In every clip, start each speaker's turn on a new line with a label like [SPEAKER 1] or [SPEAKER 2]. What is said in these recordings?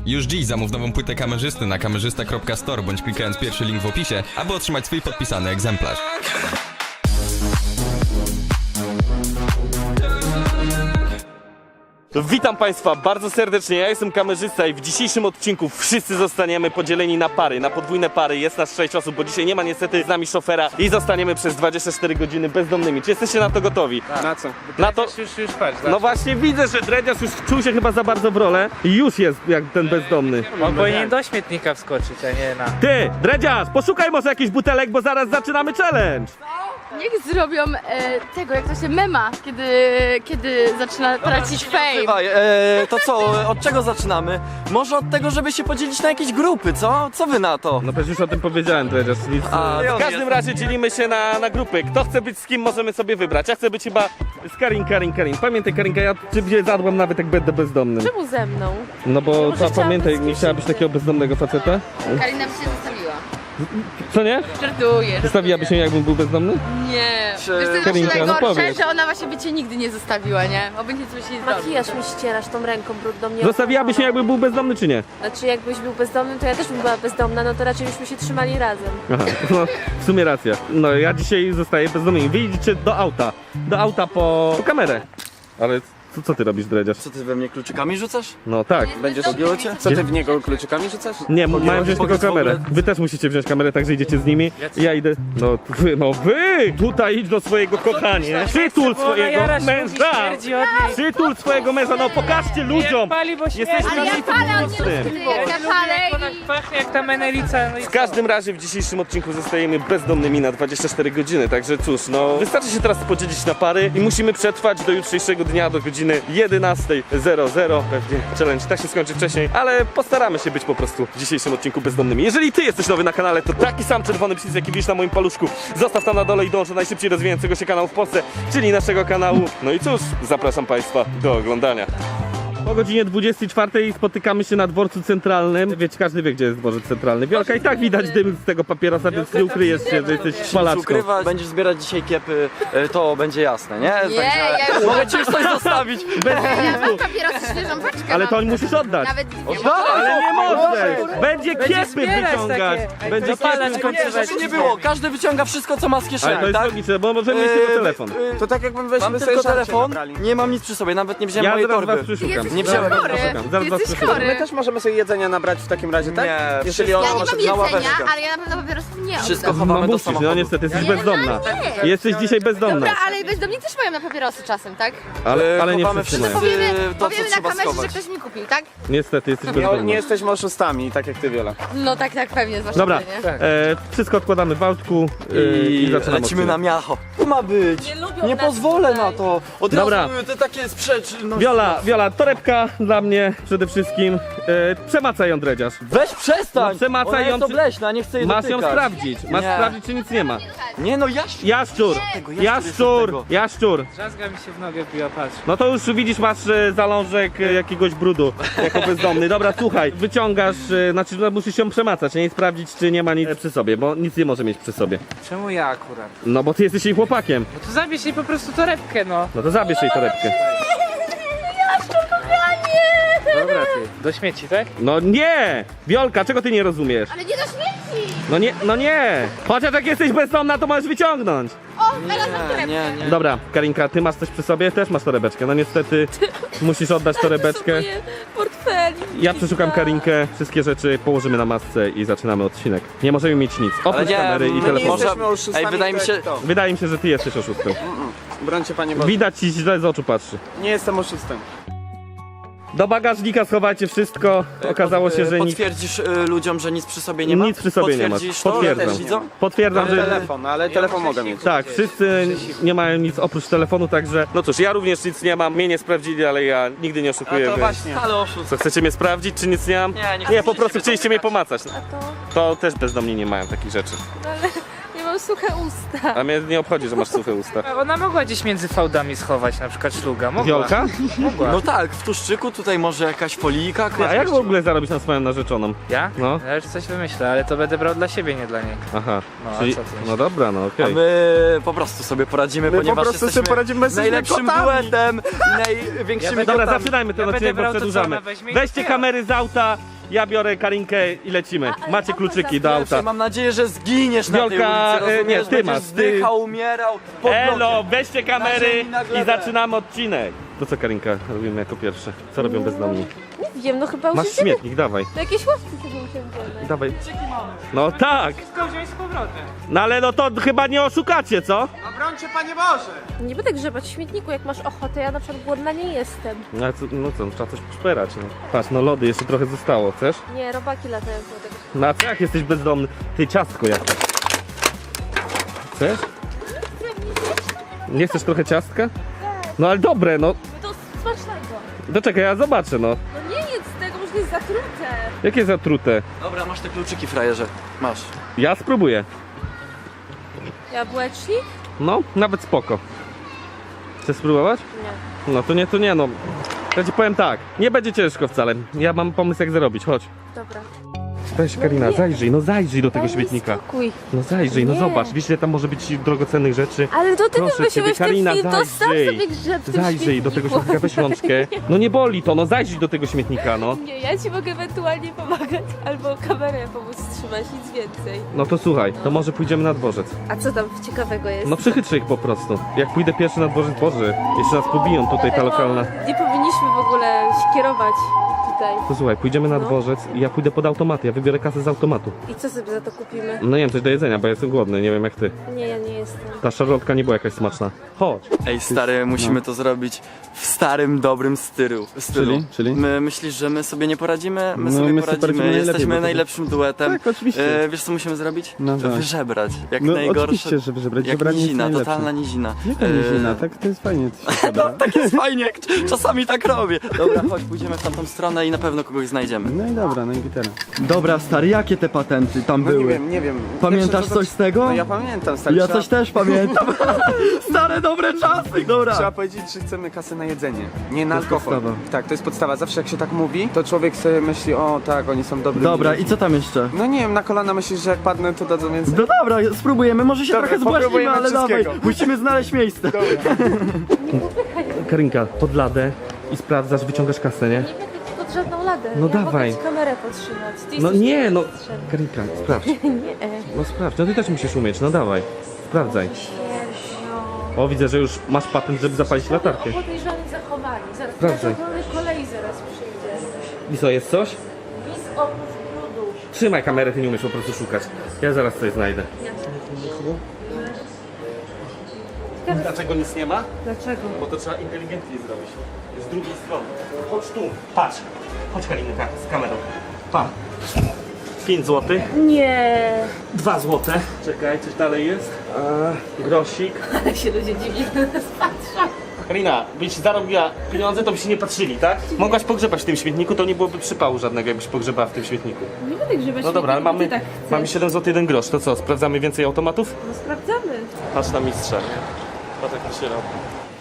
[SPEAKER 1] Już dziś zamów nową płytę kamerzysty na kamerzysta.store bądź klikając pierwszy link w opisie, aby otrzymać swój podpisany egzemplarz.
[SPEAKER 2] Witam Państwa bardzo serdecznie, ja jestem kamerzysta i w dzisiejszym odcinku wszyscy zostaniemy podzieleni na pary, na podwójne pary. Jest nas 6 osób, bo dzisiaj nie ma niestety z nami szofera i zostaniemy przez 24 godziny bezdomnymi. Czy jesteście na to gotowi?
[SPEAKER 3] Tak.
[SPEAKER 2] Na co? Na to...
[SPEAKER 3] Już patrz,
[SPEAKER 2] No właśnie widzę, że Dredziarz już wczuł się chyba za bardzo w rolę i już jest jak ten bezdomny.
[SPEAKER 3] on powinien do śmietnika wskoczyć, a nie na...
[SPEAKER 2] Ty, Dredziarz, poszukaj może jakichś butelek, bo zaraz zaczynamy challenge.
[SPEAKER 4] Niech zrobią tego, jak to się mema, kiedy zaczyna tracić fame.
[SPEAKER 5] Słuchaj, to co, od czego zaczynamy? Może od tego, żeby się podzielić na jakieś grupy, co? Co wy na to?
[SPEAKER 2] No przecież już o tym powiedziałem, Dredziarz. Nic... W każdym razie dzielimy się na grupy. Kto chce być z kim, możemy sobie wybrać. Ja chcę być chyba z Karin. Pamiętaj Karinka, ja ciebie zadbam nawet jak będę bezdomnym.
[SPEAKER 4] Czemu ze mną?
[SPEAKER 2] No bo
[SPEAKER 4] Może
[SPEAKER 2] pamiętaj,
[SPEAKER 4] chciałabym
[SPEAKER 2] nie chciałabyś takiego bezdomnego faceta?
[SPEAKER 4] Karina by się zostawiła.
[SPEAKER 2] Co nie?
[SPEAKER 4] Żartuję.
[SPEAKER 2] Zostawiłaby się jakbym był bezdomny?
[SPEAKER 4] Nie.
[SPEAKER 5] Czy-
[SPEAKER 4] Wiesz, to jest
[SPEAKER 2] Karinka,
[SPEAKER 4] właśnie
[SPEAKER 2] no
[SPEAKER 4] najgorsze,
[SPEAKER 2] powiedz.
[SPEAKER 4] że ona właśnie by cię nigdy nie zostawiła, nie? Obojętnie co by się nie zrobił.
[SPEAKER 6] Makijaż mi ścierasz tą ręką brudną. Nie
[SPEAKER 2] Zostawiłaby się jakbym był bezdomny czy nie?
[SPEAKER 6] Znaczy jakbyś był bezdomny, to ja też bym była bezdomna, no to raczej byśmy się trzymali razem.
[SPEAKER 2] Aha, no w sumie racja. No ja dzisiaj zostaję bezdomny. Wyjdźcie do auta. Do auta po kamerę. Ale co ty robisz, Dredziarz?
[SPEAKER 5] Co ty we mnie kluczykami rzucasz?
[SPEAKER 2] No tak.
[SPEAKER 5] Będziesz robiło cię?
[SPEAKER 3] Co ty w niego kluczykami rzucasz?
[SPEAKER 2] Nie, mają wziąć tylko
[SPEAKER 5] powiedz w ogóle-
[SPEAKER 2] kamerę. Wy też musicie wziąć kamerę, także idziecie z nimi. Ja idę. No wy! Tutaj idź do swojego kochania. Przytul swojego męża! Przytul swojego męża, no pokażcie ludziom!
[SPEAKER 3] Pali, bo się
[SPEAKER 2] Jesteśmy
[SPEAKER 4] Ale ja
[SPEAKER 2] miejscu
[SPEAKER 4] palę, on nie
[SPEAKER 2] publicznym.
[SPEAKER 4] lubi, jak ja palę
[SPEAKER 3] ona
[SPEAKER 4] i...
[SPEAKER 3] pachnie jak ta menelica, no i
[SPEAKER 2] W każdym razie w dzisiejszym odcinku zostajemy bezdomnymi na 24 godziny, także cóż, no wystarczy się teraz podzielić na pary i musimy przetrwać do jutrzejszego dnia, do godziny 11:00. Pewnie challenge tak się skończy wcześniej, ale postaramy się być po prostu w dzisiejszym odcinku bezdomnymi. Jeżeli ty jesteś nowy na kanale, to taki sam czerwony przycisk, jaki widzisz na moim paluszku, zostaw tam na dole i dąż do najszybciej rozwijającego się kanału w Polsce, czyli naszego kanału. No i cóż, zapraszam Państwa do oglądania. Po godzinie 24 spotykamy się na dworcu centralnym. Wiecie, każdy wie, gdzie jest dworzec centralny. Wiolka, i tak widać dym z tego papierosa, więc nie ukryjesz się, że jesteś palaczką.
[SPEAKER 5] Ukrywać, będziesz zbierać dzisiaj kiepy, to będzie jasne, nie?
[SPEAKER 4] Nie, ja już...
[SPEAKER 5] Mogę ci już coś zostawić.
[SPEAKER 4] Ja mam papierosy, świeżą paczkę.
[SPEAKER 2] Ale to
[SPEAKER 4] mam.
[SPEAKER 2] musisz oddać.
[SPEAKER 4] Nawet
[SPEAKER 2] Ale nie możesz! Będzie kiepy
[SPEAKER 3] zbierać
[SPEAKER 2] wyciągać!
[SPEAKER 3] takie.
[SPEAKER 2] Będzie
[SPEAKER 3] Dopalać
[SPEAKER 2] kiepy
[SPEAKER 5] Nie, żeby nie było, każdy wyciąga wszystko, co ma z
[SPEAKER 2] Ale
[SPEAKER 5] kieszeni,
[SPEAKER 2] to jest
[SPEAKER 5] tak?
[SPEAKER 2] logiczne, bo możemy mieć tylko telefon.
[SPEAKER 3] To tak jakbym
[SPEAKER 5] Mam tylko telefon, nie mam nic przy sobie, nawet nie wziąłem
[SPEAKER 2] Ja
[SPEAKER 5] mojej
[SPEAKER 2] zaraz was
[SPEAKER 5] torby.
[SPEAKER 2] przeszukam.
[SPEAKER 5] Nie wziąłem.
[SPEAKER 4] chory.
[SPEAKER 2] Zaraz was
[SPEAKER 4] Jesteś
[SPEAKER 2] przeszukam.
[SPEAKER 4] chory.
[SPEAKER 3] też możemy sobie jedzenia nabrać w takim razie, tak?
[SPEAKER 5] Nie,
[SPEAKER 3] Jeżeli on
[SPEAKER 4] Ja nie
[SPEAKER 3] może...
[SPEAKER 4] mam
[SPEAKER 5] mała
[SPEAKER 4] jedzenia,
[SPEAKER 5] wersja.
[SPEAKER 4] ale ja na pewno papierosów nie
[SPEAKER 5] Wszystko
[SPEAKER 4] oddam.
[SPEAKER 5] chowamy
[SPEAKER 2] No
[SPEAKER 5] do
[SPEAKER 2] musisz, no
[SPEAKER 5] samochodu.
[SPEAKER 2] niestety, jesteś
[SPEAKER 4] Nie,
[SPEAKER 2] bezdomna.
[SPEAKER 4] nie.
[SPEAKER 2] Jesteś dzisiaj bezdomna.
[SPEAKER 4] Dobra, ale bezdomni też mają na papierosy czasem, tak?
[SPEAKER 2] Ale nie
[SPEAKER 5] Chowamy
[SPEAKER 2] wszyscy mają.
[SPEAKER 5] wszyscy
[SPEAKER 4] Powiemy,
[SPEAKER 5] to, co
[SPEAKER 4] powiemy na
[SPEAKER 5] trzeba
[SPEAKER 4] kamerze, że
[SPEAKER 5] schować.
[SPEAKER 4] ktoś mi kupił, tak?
[SPEAKER 2] Niestety, jesteś
[SPEAKER 3] Nie
[SPEAKER 2] bezdomna.
[SPEAKER 3] jesteśmy oszustami, tak jak ty, Wiola.
[SPEAKER 4] No tak, pewnie, zwłaszcza
[SPEAKER 2] Dobra,
[SPEAKER 4] ty, nie?
[SPEAKER 2] wszystko odkładamy w autku i zaczynamy
[SPEAKER 5] lecimy
[SPEAKER 2] odcinek.
[SPEAKER 5] na miacho. To ma być. Nie pozwolę na to. Od
[SPEAKER 2] Dobra.
[SPEAKER 5] razu te takie sprzeczności.
[SPEAKER 2] Wiola, torebka dla mnie przede wszystkim. Przemacaj ją, Dredziarz.
[SPEAKER 5] Weź przestań!
[SPEAKER 2] No przemacaj
[SPEAKER 5] Ona
[SPEAKER 2] ją,
[SPEAKER 5] jest
[SPEAKER 2] czy-
[SPEAKER 5] obleśna, nie chcę jej
[SPEAKER 2] Masz ją
[SPEAKER 5] dotykać.
[SPEAKER 2] sprawdzić. Masz
[SPEAKER 5] Nie.
[SPEAKER 2] sprawdzić, czy nic nie ma.
[SPEAKER 5] Nie no,
[SPEAKER 2] Jaszczur!
[SPEAKER 5] Jaszczur.
[SPEAKER 2] Jaszczur!
[SPEAKER 3] Drzazga mi się w nogę biła, patrz.
[SPEAKER 2] No to już widzisz, masz zalążek jakiegoś brudu jako bezdomny. Dobra, słuchaj, wyciągasz, znaczy no, musisz się przemacać, nie? I sprawdzić, czy nie ma nic przy sobie, bo nic nie może mieć przy sobie.
[SPEAKER 3] Czemu ja akurat?
[SPEAKER 2] No bo ty jesteś jej chłopakiem.
[SPEAKER 3] No to zabierz jej po prostu torebkę, no.
[SPEAKER 2] No to zabierz jej torebkę.
[SPEAKER 3] Dobra ty, do śmieci, tak?
[SPEAKER 2] No nie! Wiolka, czego ty nie rozumiesz?
[SPEAKER 4] Ale nie do śmieci!
[SPEAKER 2] No nie! Chociaż jak jesteś bezdomna, to możesz wyciągnąć.
[SPEAKER 4] O, teraz mam torebkę.
[SPEAKER 5] Nie.
[SPEAKER 2] Dobra, Karinka, ty masz coś przy sobie? Też masz torebeczkę. No niestety musisz oddać torebeczkę.
[SPEAKER 6] Portfeli.
[SPEAKER 2] Ja przeszukam Karinkę, wszystkie rzeczy położymy na masce i zaczynamy odcinek. Nie możemy mieć nic,
[SPEAKER 5] Ale
[SPEAKER 2] oprócz
[SPEAKER 5] nie,
[SPEAKER 2] kamery i
[SPEAKER 5] my nie
[SPEAKER 2] telefonu.
[SPEAKER 3] jesteśmy oszustami,
[SPEAKER 5] Ej, wydaje mi
[SPEAKER 3] to
[SPEAKER 5] się...
[SPEAKER 3] jak to.
[SPEAKER 2] Wydaje mi się, że ty jesteś oszustem.
[SPEAKER 3] Brońcie, panie Boże.
[SPEAKER 2] Widać ci źle z oczu patrzy.
[SPEAKER 3] Nie jestem oszustem.
[SPEAKER 2] Do bagażnika schowajcie wszystko. Okazało się, że nic,
[SPEAKER 5] Potwierdzisz ludziom, że nic przy sobie nie ma?
[SPEAKER 2] nic przy sobie nie masz.
[SPEAKER 5] Potwierdzisz to?
[SPEAKER 2] Potwierdzam.
[SPEAKER 5] Też widzą?
[SPEAKER 2] Potwierdzam, że...
[SPEAKER 3] Telefon, ale telefon mogę mieć.
[SPEAKER 2] Tak, wszyscy nie mają nic oprócz telefonu, także... No cóż, ja również nic nie mam, mnie nie sprawdzili, ale ja nigdy nie oszukuję.
[SPEAKER 5] To
[SPEAKER 2] więc-
[SPEAKER 5] właśnie. Ale oszust.
[SPEAKER 2] Co, chcecie mnie sprawdzić, czy nic nie mam?
[SPEAKER 5] Nie,
[SPEAKER 2] Po prostu chcieliście mnie pomacać.
[SPEAKER 6] A to?
[SPEAKER 2] To też bezdomni nie mają takich rzeczy.
[SPEAKER 6] Ale nie mam suche usta.
[SPEAKER 2] A mnie nie obchodzi, że masz suche usta.
[SPEAKER 3] Ona mogła gdzieś między fałdami schować, na przykład szluga. Mogła.
[SPEAKER 2] Wiolka?
[SPEAKER 3] Mogła.
[SPEAKER 5] No tak, w tuszczyku tutaj może jakaś folijka.
[SPEAKER 2] A jak w ogóle zarobić na swoją narzeczoną?
[SPEAKER 3] Ja?
[SPEAKER 2] No.
[SPEAKER 3] Ja już coś wymyślę, ale to będę brał dla siebie, nie dla niej.
[SPEAKER 2] Aha,
[SPEAKER 3] No, a
[SPEAKER 2] czyli...
[SPEAKER 3] co ty myślisz?
[SPEAKER 2] No dobra, no
[SPEAKER 5] A
[SPEAKER 2] okej.
[SPEAKER 5] my po prostu sobie poradzimy,
[SPEAKER 3] My po
[SPEAKER 5] ponieważ
[SPEAKER 3] prostu sobie
[SPEAKER 5] jesteśmy
[SPEAKER 3] poradzimy, my jesteśmy
[SPEAKER 5] najlepszym
[SPEAKER 3] kotami.
[SPEAKER 5] duetem i największymi
[SPEAKER 3] Ja będę-
[SPEAKER 2] Dobra,
[SPEAKER 5] kotami.
[SPEAKER 2] zaczynajmy ten
[SPEAKER 3] Ja
[SPEAKER 2] odcinek,
[SPEAKER 3] będę
[SPEAKER 2] bo
[SPEAKER 3] brał to, co
[SPEAKER 2] przedłużamy.
[SPEAKER 3] ona weźmie i
[SPEAKER 2] Weźcie
[SPEAKER 3] otwiera.
[SPEAKER 2] kamery z auta Ja biorę Karinkę i lecimy.
[SPEAKER 6] ale
[SPEAKER 2] Macie
[SPEAKER 6] auto
[SPEAKER 2] kluczyki do
[SPEAKER 5] Pierwsze,
[SPEAKER 2] auta.
[SPEAKER 5] mam nadzieję, że zginiesz na tej
[SPEAKER 2] Wiolka,
[SPEAKER 5] ulicy, rozumiesz?
[SPEAKER 2] nie, ty
[SPEAKER 5] Będziesz
[SPEAKER 2] masz, ty-
[SPEAKER 5] zdychał, umierał. pod
[SPEAKER 2] Elo,
[SPEAKER 5] blokiem.
[SPEAKER 2] weźcie
[SPEAKER 5] Na
[SPEAKER 2] kamery
[SPEAKER 5] ziemi, na
[SPEAKER 2] i
[SPEAKER 5] glebę.
[SPEAKER 2] zaczynamy odcinek. To co Karinka robimy jako pierwsze? Co robią bezdomni?
[SPEAKER 6] Nie wiem, no chyba
[SPEAKER 2] Masz
[SPEAKER 6] usiądziemy.
[SPEAKER 2] śmietnik, dawaj.
[SPEAKER 6] To jakieś ławki sobie usiądziemy.
[SPEAKER 2] Dawaj. No tak.
[SPEAKER 3] Wszystko wziąć z powrotem.
[SPEAKER 2] No ale no to chyba nie oszukacie, co?
[SPEAKER 3] Obrońcie, Panie Boże!
[SPEAKER 6] Nie będę grzebać w śmietniku, jak masz ochotę, ja na przykład głodna nie jestem.
[SPEAKER 2] No, ale co, no co, trzeba coś poszperać, no. Patrz, no lody jeszcze trochę zostało, chcesz?
[SPEAKER 6] Nie, robaki latają po tego.
[SPEAKER 2] No a co jak jesteś bezdomny? Ty ciastko jakieś. Chcesz? Nie chcesz trochę ciastka? No ale dobre, no.
[SPEAKER 6] To smacznego.
[SPEAKER 2] To czekaj, ja zobaczę, no.
[SPEAKER 6] No nie jedz tego, może jest zatrute.
[SPEAKER 2] Jakie zatrute?
[SPEAKER 5] Dobra, masz te kluczyki, frajerze. Masz.
[SPEAKER 2] Ja spróbuję.
[SPEAKER 6] Jabłecznik?
[SPEAKER 2] No, nawet spoko. Chcesz spróbować?
[SPEAKER 6] Nie.
[SPEAKER 2] No to nie, no. Ja ci powiem tak, nie będzie ciężko wcale. Ja mam pomysł jak zarobić, chodź.
[SPEAKER 6] Dobra.
[SPEAKER 2] Weź Karina, zajrzyj do tego
[SPEAKER 6] Daj mi
[SPEAKER 2] śmietnika.
[SPEAKER 6] spokój.
[SPEAKER 2] No zajrzyj, no
[SPEAKER 6] Nie.
[SPEAKER 2] zobacz, wiesz ile tam może być drogocennych rzeczy.
[SPEAKER 6] Ale to ty
[SPEAKER 2] Proszę
[SPEAKER 6] wymyśliłeś
[SPEAKER 2] ciebie,
[SPEAKER 6] ten
[SPEAKER 2] Karina,
[SPEAKER 6] film, to sam
[SPEAKER 2] zajrzyj.
[SPEAKER 6] sobie grzeb w tym
[SPEAKER 2] Zajrzyj do tego
[SPEAKER 6] śmietniku.
[SPEAKER 2] śmietnika, weź rączkę. No nie boli to, no zajrzyj do tego śmietnika, no.
[SPEAKER 6] Nie, ja ci mogę ewentualnie pomagać, albo kamerę pomóc trzymać, nic więcej.
[SPEAKER 2] No to słuchaj, to może pójdziemy na dworzec.
[SPEAKER 6] A co tam ciekawego jest?
[SPEAKER 2] No przychytrzę ich po prostu. Jak pójdę pierwszy na dworzec, Boże, jeszcze nas pobiją tutaj ta
[SPEAKER 6] Dlatego
[SPEAKER 2] lokalna.
[SPEAKER 6] Nie powinniśmy w ogóle się kierować tutaj.
[SPEAKER 2] To słuchaj, pójdziemy na
[SPEAKER 6] No.
[SPEAKER 2] dworzec i ja pójdę pod automaty, ja wybiorę kasę z automatu.
[SPEAKER 6] I co sobie za to kupimy?
[SPEAKER 2] No nie wiem, coś do jedzenia, bo ja jestem głodny, nie wiem jak ty.
[SPEAKER 6] Nie, ja nie jestem.
[SPEAKER 2] Ta szarlotka nie była jakaś smaczna. Chodź.
[SPEAKER 5] Ej, stary, musimy to zrobić w starym, dobrym stylu.
[SPEAKER 7] Czyli?
[SPEAKER 5] Myślisz, że my sobie nie poradzimy? My
[SPEAKER 7] No,
[SPEAKER 5] sobie
[SPEAKER 7] my sobie poradzimy
[SPEAKER 5] poradzimy.
[SPEAKER 7] najlepiej,
[SPEAKER 5] Jesteśmy
[SPEAKER 7] bo to-
[SPEAKER 5] najlepszym duetem.
[SPEAKER 7] Tak, oczywiście.
[SPEAKER 5] Wiesz, co musimy zrobić?
[SPEAKER 7] No tak.
[SPEAKER 5] Wyżebrać. Jak
[SPEAKER 7] No
[SPEAKER 5] najgorsze.
[SPEAKER 7] oczywiście, żeby żebrać.
[SPEAKER 5] Jak
[SPEAKER 7] Żebranie jest
[SPEAKER 5] nizina,
[SPEAKER 7] najlepsze.
[SPEAKER 5] totalna nizina.
[SPEAKER 7] Jaka nizina, tak to jest fajnie.
[SPEAKER 5] No, tak jest fajnie, jak czasami tak robię. Dobra, chodź, pójdziemy w tamtą stronę i na pewno kogoś znajdziemy.
[SPEAKER 7] No i dobra, no i gitara.
[SPEAKER 8] Dobra, stary, jakie te patenty tam były?
[SPEAKER 3] Nie wiem.
[SPEAKER 8] Pamiętasz coś z tego?
[SPEAKER 3] No ja pamiętam, stary.
[SPEAKER 8] Ja
[SPEAKER 3] trzeba,
[SPEAKER 8] coś też pamiętam. Stare, dobre czasy, dobra.
[SPEAKER 3] Trzeba powiedzieć, że chcemy kasę na jedzenie, nie na alkohol.
[SPEAKER 8] podstawa.
[SPEAKER 3] Tak, to jest podstawa. Zawsze jak się tak mówi, to człowiek sobie myśli, o tak, oni są dobrymi
[SPEAKER 8] Dobra,
[SPEAKER 3] ludźmi.
[SPEAKER 8] i co tam jeszcze?
[SPEAKER 3] No nie wiem, na kolana myślisz, że jak padnę, to dadzą więcej.
[SPEAKER 8] No dobra, spróbujemy, może się
[SPEAKER 3] Dobra,
[SPEAKER 8] trochę zbłaźnimy,
[SPEAKER 3] popróbujemy
[SPEAKER 8] ale dawaj.
[SPEAKER 3] wszystkiego.
[SPEAKER 8] Musimy znaleźć miejsce.
[SPEAKER 2] Karinka, pod ladę i sprawdzasz, wyciągasz kasę, nie?
[SPEAKER 6] Nie będę ci pod żadną ladę.
[SPEAKER 2] No
[SPEAKER 6] ja
[SPEAKER 2] dawaj.
[SPEAKER 6] mogę ci kamerę podtrzymać. Ty
[SPEAKER 2] No
[SPEAKER 6] jesteś
[SPEAKER 2] nie, no.
[SPEAKER 6] mistrzem.
[SPEAKER 2] Karinka, sprawdź.
[SPEAKER 6] Nie.
[SPEAKER 2] No sprawdź, no ty też musisz umieć, no dawaj. Sprawdzaj.
[SPEAKER 6] Sierżio.
[SPEAKER 2] O, widzę, że już masz patent, żeby zapalić latarkę.
[SPEAKER 6] Podejrzani zachowani. Zaraz
[SPEAKER 2] Sprawdzaj.
[SPEAKER 6] na kolei zaraz przyjdzie.
[SPEAKER 2] I co, jest coś?
[SPEAKER 6] Bis oprócz brudu.
[SPEAKER 2] Trzymaj kamerę, ty nie umiesz po prostu szukać. Ja zaraz coś znajdę. Dlaczego nic nie ma?
[SPEAKER 6] Dlaczego?
[SPEAKER 2] Bo to trzeba inteligentnie zrobić. Z drugiej strony. Chodź tu. Patrz. Chodź Karinka z kamerą. Pa. 5 zł.
[SPEAKER 6] Nie.
[SPEAKER 2] 2 zł. Czekaj, coś dalej jest. Grosik.
[SPEAKER 6] Ale się ludzie dziwnie na nas patrzą.
[SPEAKER 2] Karina, byś zarobiła pieniądze, to by się nie patrzyli, tak? Mogłaś pogrzebać w tym śmietniku, to nie byłoby przypału żadnego, jakbyś pogrzebała w tym śmietniku.
[SPEAKER 6] Nie będę grzebać.
[SPEAKER 2] No dobra, ale
[SPEAKER 6] śmietniku,
[SPEAKER 2] mamy,
[SPEAKER 6] ty tak chcesz.
[SPEAKER 2] mamy 7 zł 1 grosz. To co, sprawdzamy więcej automatów?
[SPEAKER 6] No sprawdzamy.
[SPEAKER 2] Patrz na mistrza. Patrz jak to się robi.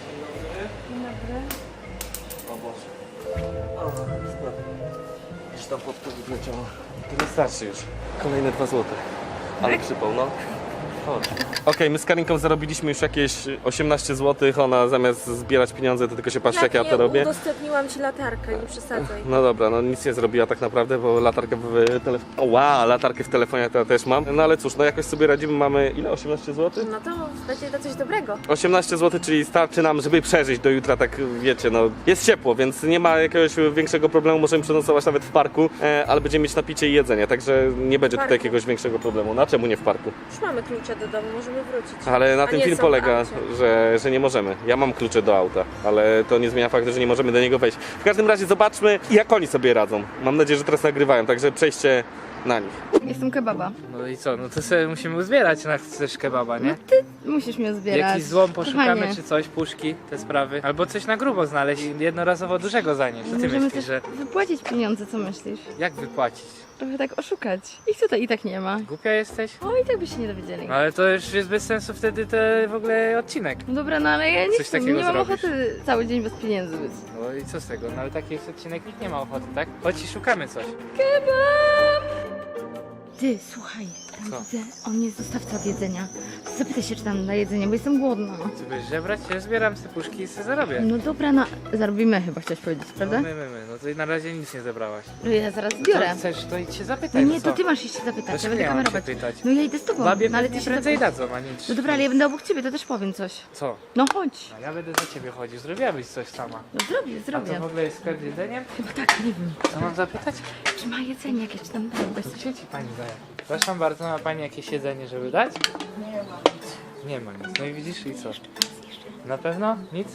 [SPEAKER 2] O Boże. Gdzieś tam pod to wleciało. To nie starczy już. Kolejne 2 zł. Ale przypał, no. Chodź. Okej, my z Karinką zarobiliśmy już jakieś 18 zł. Ona zamiast zbierać pieniądze, to tylko się patrzy jak ja to robię.
[SPEAKER 6] Udostępniłam ci latarkę, nie przesadzaj.
[SPEAKER 2] No dobra, no nic nie zrobiła tak naprawdę, bo latarkę w telefonie. Latarkę w telefonie to ja też mam. No ale cóż, no jakoś sobie radzimy, mamy ile? 18 zł?
[SPEAKER 6] No to będzie to coś dobrego.
[SPEAKER 2] 18 zł, czyli starczy nam, żeby przeżyć do jutra, tak wiecie, no jest ciepło, więc nie ma jakiegoś większego problemu, możemy przenocować nawet w parku, ale będziemy mieć napicie i jedzenie, także nie będzie tutaj
[SPEAKER 6] parku.
[SPEAKER 2] jakiegoś większego problemu. Na czemu nie w parku?
[SPEAKER 6] Już mamy klucze do domu, możemy wrócić.
[SPEAKER 2] Ale na
[SPEAKER 6] A
[SPEAKER 2] tym
[SPEAKER 6] nie
[SPEAKER 2] film
[SPEAKER 6] są w
[SPEAKER 2] polega,
[SPEAKER 6] aucie.
[SPEAKER 2] że nie możemy. Ja mam klucze do auta, ale to nie zmienia faktu, że nie możemy do niego wejść. W każdym razie zobaczmy, jak oni sobie radzą. Mam nadzieję, że teraz nagrywają, także przejście na nich.
[SPEAKER 4] Jestem kebaba.
[SPEAKER 3] No i co, no to sobie musimy uzbierać na chcesz kebaba, nie?
[SPEAKER 4] Musisz mnie zbierać.
[SPEAKER 3] Jakiś złom poszukamy
[SPEAKER 4] Kochanie.
[SPEAKER 3] czy coś, puszki, te sprawy. Albo coś na grubo znaleźć i jednorazowo dużego zanieść. Co ty
[SPEAKER 4] Możemy
[SPEAKER 3] myślisz,
[SPEAKER 4] też
[SPEAKER 3] że
[SPEAKER 4] wypłacić pieniądze, co myślisz?
[SPEAKER 3] jak wypłacić?
[SPEAKER 4] Trochę tak oszukać. Ich tutaj i tak nie ma.
[SPEAKER 3] Głupia jesteś?
[SPEAKER 4] O, i tak by się nie dowiedzieli.
[SPEAKER 3] No ale to już jest bez sensu wtedy ten w ogóle odcinek.
[SPEAKER 4] No dobra, no ale ja nie
[SPEAKER 3] Coś
[SPEAKER 4] chcę,
[SPEAKER 3] takiego
[SPEAKER 4] nie mam
[SPEAKER 3] zrobisz.
[SPEAKER 4] ochoty cały dzień bez pieniędzy być.
[SPEAKER 3] No i co z tego? No ale taki jest odcinek, nikt nie ma ochoty, tak? Chodź i szukamy coś.
[SPEAKER 4] Kebab! Ty, słuchaj,
[SPEAKER 3] Co?
[SPEAKER 4] On jest dostawca od jedzenia. Zapytaj się, czy tam na jedzenie, bo jestem głodna.
[SPEAKER 3] Ty będziesz żebrać? Ja zbieram te puszki i sobie zarobię.
[SPEAKER 4] No dobra, zarobimy chyba, chciałeś powiedzieć, prawda?
[SPEAKER 3] No to na razie nic nie zebrałaś.
[SPEAKER 4] No ja zaraz
[SPEAKER 3] Co
[SPEAKER 4] zbiorę.
[SPEAKER 3] chcesz, to idź się
[SPEAKER 4] No
[SPEAKER 3] zapytaj.
[SPEAKER 4] nie,
[SPEAKER 3] co?
[SPEAKER 4] to ty masz iść się zapytać, ja
[SPEAKER 3] Dlaczego
[SPEAKER 4] będę
[SPEAKER 3] ja mam się
[SPEAKER 4] kamerować.
[SPEAKER 3] pytać?
[SPEAKER 4] No ja idę z tobą,
[SPEAKER 3] Babie
[SPEAKER 4] no ale
[SPEAKER 3] pewnie
[SPEAKER 4] ty się
[SPEAKER 3] prędzej
[SPEAKER 4] zapytaj.
[SPEAKER 3] dadzą, a nie
[SPEAKER 4] No dobra, ale ja będę obok ciebie, to też powiem coś.
[SPEAKER 3] Co?
[SPEAKER 4] No chodź.
[SPEAKER 3] A ja będę za ciebie chodził, zrobiłabyś coś sama.
[SPEAKER 4] No zrobię,
[SPEAKER 3] A to
[SPEAKER 4] zrobię.
[SPEAKER 3] w ogóle jest sklep z jedzeniem?
[SPEAKER 4] Chyba tak, nie wiem.
[SPEAKER 3] Co mam zapytać?
[SPEAKER 4] Czy ma jedzenie jakieś, czy tam dają bez...
[SPEAKER 3] To gdzie ci pani daje? Proszę bardzo, ma pani jakieś jedzenie, żeby dać? Nie ma nic. Nie ma nic. No i widzisz i co? Na pewno? Nic?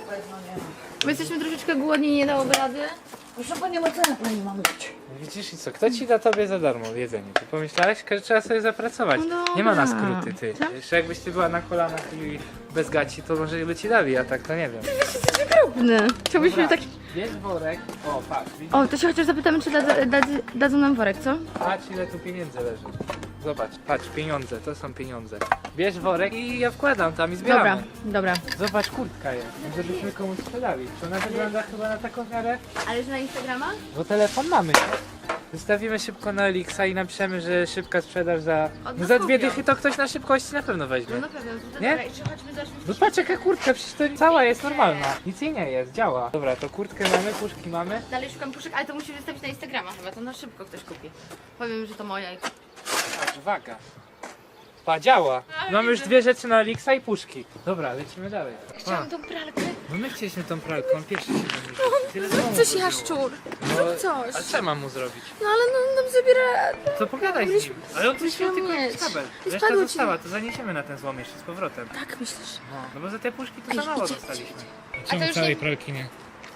[SPEAKER 4] My jesteśmy troszeczkę głodni, nie dałoby rady. Proszę panią, ocenę pani mam dać.
[SPEAKER 3] Widzisz i co? Kto ci da tobie za darmo jedzenie? Ty pomyślałeś, że trzeba sobie zapracować.
[SPEAKER 4] No
[SPEAKER 3] Nie ma na
[SPEAKER 4] dobra.
[SPEAKER 3] skróty, ty.
[SPEAKER 4] Co?
[SPEAKER 3] Jeszcze jakbyś ty była na kolanach i bez gaci, to może by ci dali, a tak to nie wiem.
[SPEAKER 4] Drobny. Chciałbyśmy
[SPEAKER 3] Dobra.
[SPEAKER 4] tak...
[SPEAKER 3] Bierz worek. O, patrz, widzisz?
[SPEAKER 4] O, to się chociaż zapytamy, czy dadzą nam worek, co?
[SPEAKER 3] Patrz ile tu pieniędzy leży. Zobacz, patrz, pieniądze, to są pieniądze. Bierz worek i ja wkładam tam i zbieramy.
[SPEAKER 4] Dobra.
[SPEAKER 3] Zobacz, kurtka jest, żebyśmy komuś sprzedali. Czy ona wygląda chyba na taką miarę?
[SPEAKER 4] Ale że na Instagrama?
[SPEAKER 3] Bo telefon mamy. Wystawimy szybko na Elixa i napiszemy, że szybka sprzedaż za... No za 2 dychy to ktoś na szybkości na pewno weźmie.
[SPEAKER 4] No na pewno. To
[SPEAKER 3] Nie?
[SPEAKER 4] dobra, jeszcze chodźmy do...
[SPEAKER 3] No patrz jaka kurtka, przecież to cała jest normalna. Nic jej nie jest, działa. Dobra, to kurtkę mamy, puszki mamy.
[SPEAKER 4] Dalej szukam puszek, ale to musisz wystawić na Instagrama chyba, to na szybko ktoś kupi. Powiem, że to moja i...
[SPEAKER 3] Patrz, waga. Pa, działa. Mamy już 2 rzeczy na Elixa i puszki. Dobra, lecimy dalej.
[SPEAKER 4] Chciałam tą pralkę.
[SPEAKER 3] No my chcieliśmy tą pralkę, on pierwszy się domyślił. Tyle
[SPEAKER 4] Zrób
[SPEAKER 3] samo
[SPEAKER 4] coś,
[SPEAKER 3] było.
[SPEAKER 4] jaszczur.
[SPEAKER 3] No,
[SPEAKER 4] Zrób coś.
[SPEAKER 3] a co mam mu zrobić?
[SPEAKER 4] No ale no, nam zabiera...
[SPEAKER 3] Co pogadaj z nim? Ale on tu
[SPEAKER 4] Musimy
[SPEAKER 3] się tylko
[SPEAKER 4] mieć.
[SPEAKER 3] jakiś kabel.
[SPEAKER 4] I
[SPEAKER 3] Reszta
[SPEAKER 4] spadło ci-
[SPEAKER 3] została, to zaniesiemy na ten złom jeszcze z powrotem.
[SPEAKER 4] Tak myślisz?
[SPEAKER 3] No bo za te puszki to
[SPEAKER 4] Ej,
[SPEAKER 3] za mało
[SPEAKER 4] idzie,
[SPEAKER 3] dostaliśmy.
[SPEAKER 4] A to już nie...
[SPEAKER 3] pralki nie?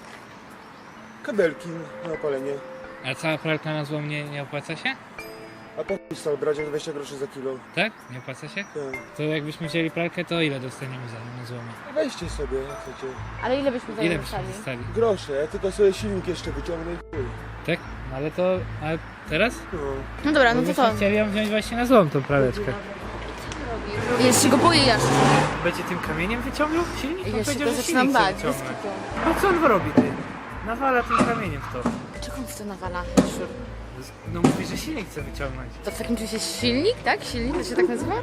[SPEAKER 9] Kabelki na opalenie.
[SPEAKER 3] A cała pralka na złom nie opłaca się?
[SPEAKER 9] A po chuj stał brać 20 groszy za kilo.
[SPEAKER 3] Tak? Nie opłaca się?
[SPEAKER 9] Tak.
[SPEAKER 3] To jakbyśmy wzięli pralkę, to ile dostaniemy za nią na złomie?
[SPEAKER 9] Weźcie sobie, jak chcecie.
[SPEAKER 4] Ale ile byśmy za
[SPEAKER 3] Ile
[SPEAKER 4] nią
[SPEAKER 3] byśmy
[SPEAKER 4] dostali?
[SPEAKER 3] dostali?
[SPEAKER 9] Grosze, ja tylko sobie silnik jeszcze wyciągnę i chuj.
[SPEAKER 3] Tak? No ale to... A teraz?
[SPEAKER 9] No.
[SPEAKER 4] No dobra, no to co?
[SPEAKER 3] Chcieli ją wziąć właśnie na złom tą praleczkę.
[SPEAKER 4] Ja się go boję, jaszczur.
[SPEAKER 3] Będzie tym kamieniem wyciągnął silnik? On
[SPEAKER 4] Ja się
[SPEAKER 3] powiedział,
[SPEAKER 4] go
[SPEAKER 3] że
[SPEAKER 4] zaczynam
[SPEAKER 3] silnik chce
[SPEAKER 4] bać. bez
[SPEAKER 3] wyciągnąć.
[SPEAKER 4] kitu.
[SPEAKER 3] No co on robi ty? Nawala tym kamieniem w to.
[SPEAKER 4] Czego on w to nawala, jaszczur?
[SPEAKER 3] No mówi, że silnik chce wyciągnąć.
[SPEAKER 4] To w takim czymś jest silnik, tak? Silnik, to się tak nazywa?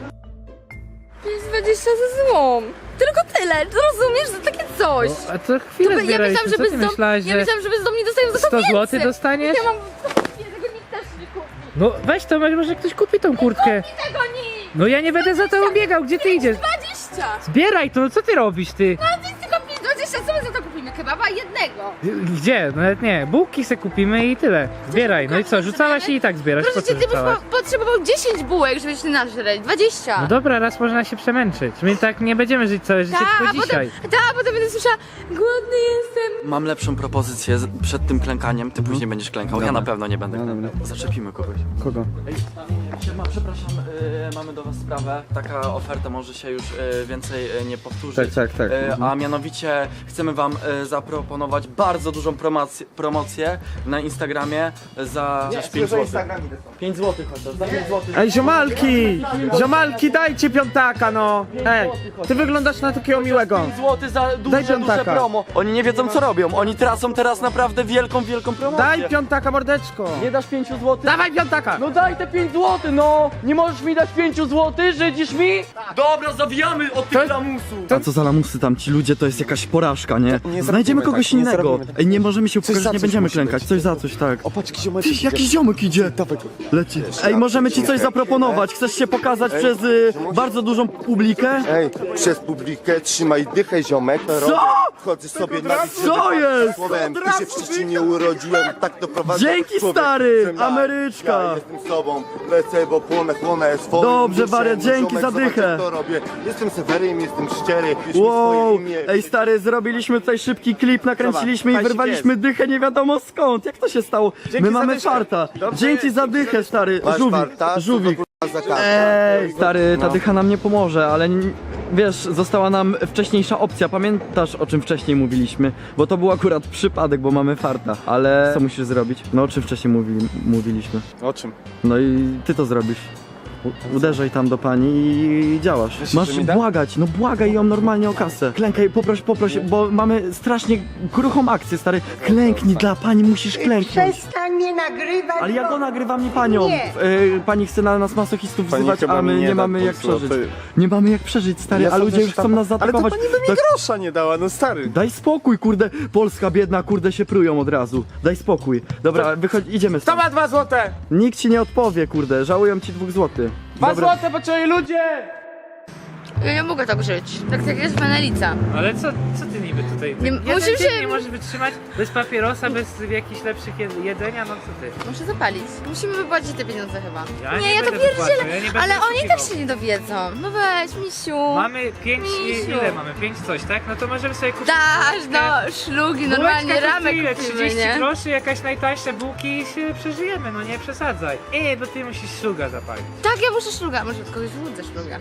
[SPEAKER 4] Jest 20 za złom. Tylko tyle, rozumiesz? Za takie coś.
[SPEAKER 3] A to chwilę
[SPEAKER 4] Ja
[SPEAKER 3] zbieraliśmy,
[SPEAKER 4] myślałam, że
[SPEAKER 3] co ty myślałaś,
[SPEAKER 4] ja
[SPEAKER 3] że
[SPEAKER 4] myślałam, że bezdomni dostają za to
[SPEAKER 3] 100
[SPEAKER 4] więcej.
[SPEAKER 3] zł dostaniesz?
[SPEAKER 4] Ja mam... Tego nikt też nie kupi.
[SPEAKER 3] No weź to, może ktoś kupi tą kurtkę.
[SPEAKER 4] Tego nikt!
[SPEAKER 3] No ja nie będę za tobą biegał, gdzie ty idziesz?
[SPEAKER 4] 20!
[SPEAKER 3] Zbieraj to, no co ty robisz ty?
[SPEAKER 4] No ty tylko 20, co my za to kupimy? Kebaba jednego.
[SPEAKER 3] Gdzie? No nawet nie, bułki se kupimy i tyle. Zbieraj, no i co, rzucałaś i tak zbierasz, po
[SPEAKER 4] Proszę
[SPEAKER 3] co
[SPEAKER 4] cię, ty byś
[SPEAKER 3] rzucałaś?
[SPEAKER 4] potrzebował 10 bułek, żebyś nażreć. 20.
[SPEAKER 3] No dobra, raz można się przemęczyć. My tak nie będziemy żyć całe życie, tylko dzisiaj.
[SPEAKER 4] Potem będę słyszała, głodny jestem.
[SPEAKER 5] Mam lepszą propozycję przed tym klękaniem. Ty później będziesz klękał. Ja
[SPEAKER 7] Dobra.
[SPEAKER 5] na pewno nie będę
[SPEAKER 7] No
[SPEAKER 5] klękał.
[SPEAKER 7] dobra.
[SPEAKER 5] Zaczepimy kogoś.
[SPEAKER 7] Kogo?
[SPEAKER 5] Ej, przepraszam, mamy do was sprawę. Taka oferta może się już więcej nie powtórzyć.
[SPEAKER 7] Tak.
[SPEAKER 5] A mianowicie chcemy wam zaproponować bardzo dużą promocję na Instagramie za 5 zł. 5 zł chociaż, za 5 zł.
[SPEAKER 8] Ej, ziomalki! Ziomalki, dajcie piątaka, no! Ej, ty wyglądasz na takiego miłego.
[SPEAKER 5] 5 zł za
[SPEAKER 8] Daj
[SPEAKER 5] duże
[SPEAKER 8] piątaka.
[SPEAKER 5] promo. Oni nie wiedzą co robią. Oni tracą teraz naprawdę wielką promocję.
[SPEAKER 8] Daj piątaka, mordeczko!
[SPEAKER 5] Nie dasz 5 zł?
[SPEAKER 8] Dawaj piątaka!
[SPEAKER 5] No daj te 5 zł, no! Nie możesz mi dać 5 zł? Żydzisz mi? Dobra, zawijamy od tych lamusów! A co za lamusy tam, ci ludzie, to jest jakaś porażka, nie?
[SPEAKER 9] nie
[SPEAKER 5] Znajdziemy
[SPEAKER 9] zrobimy
[SPEAKER 5] kogoś
[SPEAKER 9] tak, nie
[SPEAKER 5] innego.
[SPEAKER 9] zrobimy tak.
[SPEAKER 5] Ej, nie możemy się
[SPEAKER 9] Coś
[SPEAKER 5] upewnić,
[SPEAKER 9] za
[SPEAKER 5] że nie
[SPEAKER 9] coś
[SPEAKER 5] będziemy
[SPEAKER 9] musi
[SPEAKER 5] klękać.
[SPEAKER 9] być.
[SPEAKER 5] Coś za coś, tak.
[SPEAKER 9] O, patrz, jakiś ziomek
[SPEAKER 5] Tyś, jakiś ziomek idzie.
[SPEAKER 9] Dawaj go.
[SPEAKER 5] Leci. Ej, możemy ci coś zaproponować. Chcesz się pokazać przez bardzo dużą publikę?
[SPEAKER 9] Ej, przez publikę trzymaj dychę, ziomek.
[SPEAKER 5] Co?
[SPEAKER 9] Wchodzę sobie na
[SPEAKER 5] Co jest?
[SPEAKER 9] Słowem, ty się w Szczecinie urodziłem, tak to prowadzę.
[SPEAKER 5] Dzięki,
[SPEAKER 9] Człowiek,
[SPEAKER 5] stary!
[SPEAKER 9] jestem ja.
[SPEAKER 5] Ameryczka.
[SPEAKER 9] Ja jestem sobą, lecę, bo chłonę swoim
[SPEAKER 5] Dobrze,
[SPEAKER 9] duszem.
[SPEAKER 5] wariat, dzięki
[SPEAKER 9] Ziomek,
[SPEAKER 5] za
[SPEAKER 9] zobacz,
[SPEAKER 5] dychę.
[SPEAKER 9] jak to robię. Jestem Sewerym, jestem szczery, pisz mi
[SPEAKER 5] Wow!
[SPEAKER 9] swoje imię.
[SPEAKER 5] Ej, stary, zrobiliśmy tutaj szybki klip, nakręciliśmy i
[SPEAKER 9] Zobacz,
[SPEAKER 5] wyrwaliśmy dychę nie wiadomo skąd. Jak to się stało? My mamy farta. Dzięki za dychę, stary.
[SPEAKER 9] Masz
[SPEAKER 5] Żółwik,
[SPEAKER 9] farta,
[SPEAKER 5] żółwik.
[SPEAKER 9] co to, kurwa, za kartę?
[SPEAKER 5] Ej, stary, ta
[SPEAKER 9] No.
[SPEAKER 5] dycha nam nie pomoże, ale wiesz, została nam wcześniejsza opcja. Pamiętasz, o czym wcześniej mówiliśmy? Bo to był akurat przypadek, bo mamy farta. Ale co musisz zrobić? No o czym wcześniej mówiliśmy?
[SPEAKER 9] O czym?
[SPEAKER 5] No i ty to zrobisz. Uderzaj tam do pani i działasz.
[SPEAKER 7] Myślisz,
[SPEAKER 5] Masz
[SPEAKER 7] że mi da?
[SPEAKER 5] błagać, no błagaj ją normalnie o kasę. Klękaj, poproś, bo mamy strasznie kruchą akcję, stary. Klęknij dla pani, musisz klęknąć.
[SPEAKER 10] Przestań mnie nagrywać.
[SPEAKER 5] Ale ja go nagrywam, nie panią.
[SPEAKER 10] Nie.
[SPEAKER 5] Pani chce na nas masochistów
[SPEAKER 7] Pani
[SPEAKER 5] wzywać,
[SPEAKER 7] chyba
[SPEAKER 5] a my
[SPEAKER 7] mi nie
[SPEAKER 5] nie
[SPEAKER 7] da
[SPEAKER 5] mamy jak
[SPEAKER 7] pół złotej.
[SPEAKER 5] przeżyć. Nie mamy jak przeżyć, stary, a ludzie już chcą nas
[SPEAKER 7] Ale to
[SPEAKER 5] zaatakować.
[SPEAKER 7] pani by mi grosza nie dała, no stary.
[SPEAKER 5] Daj spokój, kurde. Polska biedna, kurde, się prują od razu. Daj spokój. Dobra, wychodź, idziemy
[SPEAKER 8] Kto
[SPEAKER 5] stąd.
[SPEAKER 8] ma 2 złote?
[SPEAKER 5] Nikt ci nie odpowie, kurde. Żałują ci 2 złotych.
[SPEAKER 8] 2 złote, potrzebują ludzie!
[SPEAKER 4] Ja nie mogę tak żyć. Tak jak jest Menelica.
[SPEAKER 3] Ale co ty niby tutaj?
[SPEAKER 4] Nie,
[SPEAKER 3] Jeden
[SPEAKER 4] musimy
[SPEAKER 3] dzień
[SPEAKER 4] się-
[SPEAKER 3] nie możesz wytrzymać bez papierosa, bez jakichś lepszych jedzenia, no co ty?
[SPEAKER 4] Muszę zapalić. Musimy wypłacić te pieniądze chyba.
[SPEAKER 3] Ja nie
[SPEAKER 4] ja to
[SPEAKER 3] będę
[SPEAKER 4] pierdzielę.
[SPEAKER 3] wypłacał, ja nie będę
[SPEAKER 4] Ale oni i tak
[SPEAKER 3] oszukiwał.
[SPEAKER 4] się nie dowiedzą. No weź, misiu.
[SPEAKER 3] Mamy 5,
[SPEAKER 4] Misiu.
[SPEAKER 3] ile mamy? 5 coś, tak? No to możemy sobie kupić
[SPEAKER 4] Dasz, no, szlugi, normalnie
[SPEAKER 3] bułeczkę
[SPEAKER 4] ramek
[SPEAKER 3] kosztuje
[SPEAKER 4] kupimy,
[SPEAKER 3] 30
[SPEAKER 4] nie?
[SPEAKER 3] groszy, jakaś najtańsze bułki i się przeżyjemy, no nie przesadzaj. Bo ty musisz szluga zapalić.
[SPEAKER 4] Tak, ja muszę szluga. Może od kogoś złudzę szluga.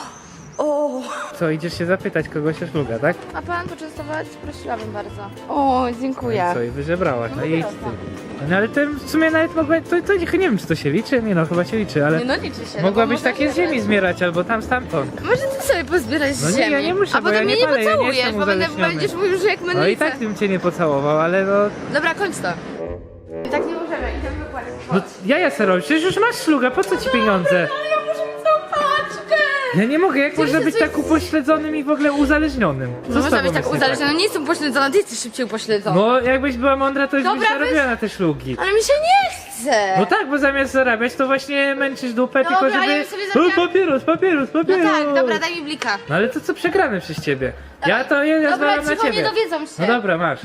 [SPEAKER 4] O,
[SPEAKER 3] Co, idziesz się zapytać kogoś o szluga, tak?
[SPEAKER 4] a pan poczęstować? Prosiłabym bardzo. O, dziękuję.
[SPEAKER 3] Co, i wyżebrałaś, no jedź ty. No ale to w sumie nawet mogła, to nie wiem, czy to się liczy? Nie no, chyba się liczy, ale
[SPEAKER 4] Nie no, liczy się.
[SPEAKER 3] mogłabyś
[SPEAKER 4] no,
[SPEAKER 3] takie z ziemi zbierać, albo tam stamtąd.
[SPEAKER 4] Może ty sobie pozbierać z
[SPEAKER 3] No nie,
[SPEAKER 4] ziemi.
[SPEAKER 3] ja nie muszę,
[SPEAKER 4] a
[SPEAKER 3] bo ja
[SPEAKER 4] potem
[SPEAKER 3] nie
[SPEAKER 4] mnie nie
[SPEAKER 3] palę, ja nie
[SPEAKER 4] pocałujesz,
[SPEAKER 3] jestem
[SPEAKER 4] bo
[SPEAKER 3] uzależniony.
[SPEAKER 4] będziesz mówił, że jak
[SPEAKER 3] No i
[SPEAKER 4] Menelica.
[SPEAKER 3] tak bym cię nie pocałował, ale no...
[SPEAKER 4] Dobra, kończ to. Tak nie możemy, idziemy wypłacić.
[SPEAKER 3] No ja se robię, przecież już masz szluga, po co ci pieniądze?
[SPEAKER 4] Ale ja muszę mieć całą paczkę.
[SPEAKER 3] Ja nie mogę, jak można
[SPEAKER 4] się
[SPEAKER 3] być
[SPEAKER 4] coś-
[SPEAKER 3] tak upośledzonym i w ogóle uzależnionym? Co
[SPEAKER 4] No
[SPEAKER 3] z
[SPEAKER 4] można
[SPEAKER 3] tobą
[SPEAKER 4] być tak
[SPEAKER 3] jest nie
[SPEAKER 4] uzależniona, nie jestem upośledzona, ty jesteś szybciej upośledzona.
[SPEAKER 3] No, jakbyś była mądra, to już byś
[SPEAKER 4] Dobra,
[SPEAKER 3] zarobiła na te szlugi.
[SPEAKER 4] Ale mi się nie chce.
[SPEAKER 3] No tak, bo zamiast zarabiać, to właśnie męczysz dupę,
[SPEAKER 4] Dobra,
[SPEAKER 3] tylko
[SPEAKER 4] a ja
[SPEAKER 3] żeby...
[SPEAKER 4] bym sobie zarobiła-
[SPEAKER 3] Papieros.
[SPEAKER 4] No tak, dobra, daj mi blika.
[SPEAKER 3] No ale to co przegramy przez ciebie? Ja
[SPEAKER 4] Dobra,
[SPEAKER 3] zwalam na
[SPEAKER 4] cicho, nie
[SPEAKER 3] ciebie.
[SPEAKER 4] dowiedzą się.
[SPEAKER 3] No dobra, masz.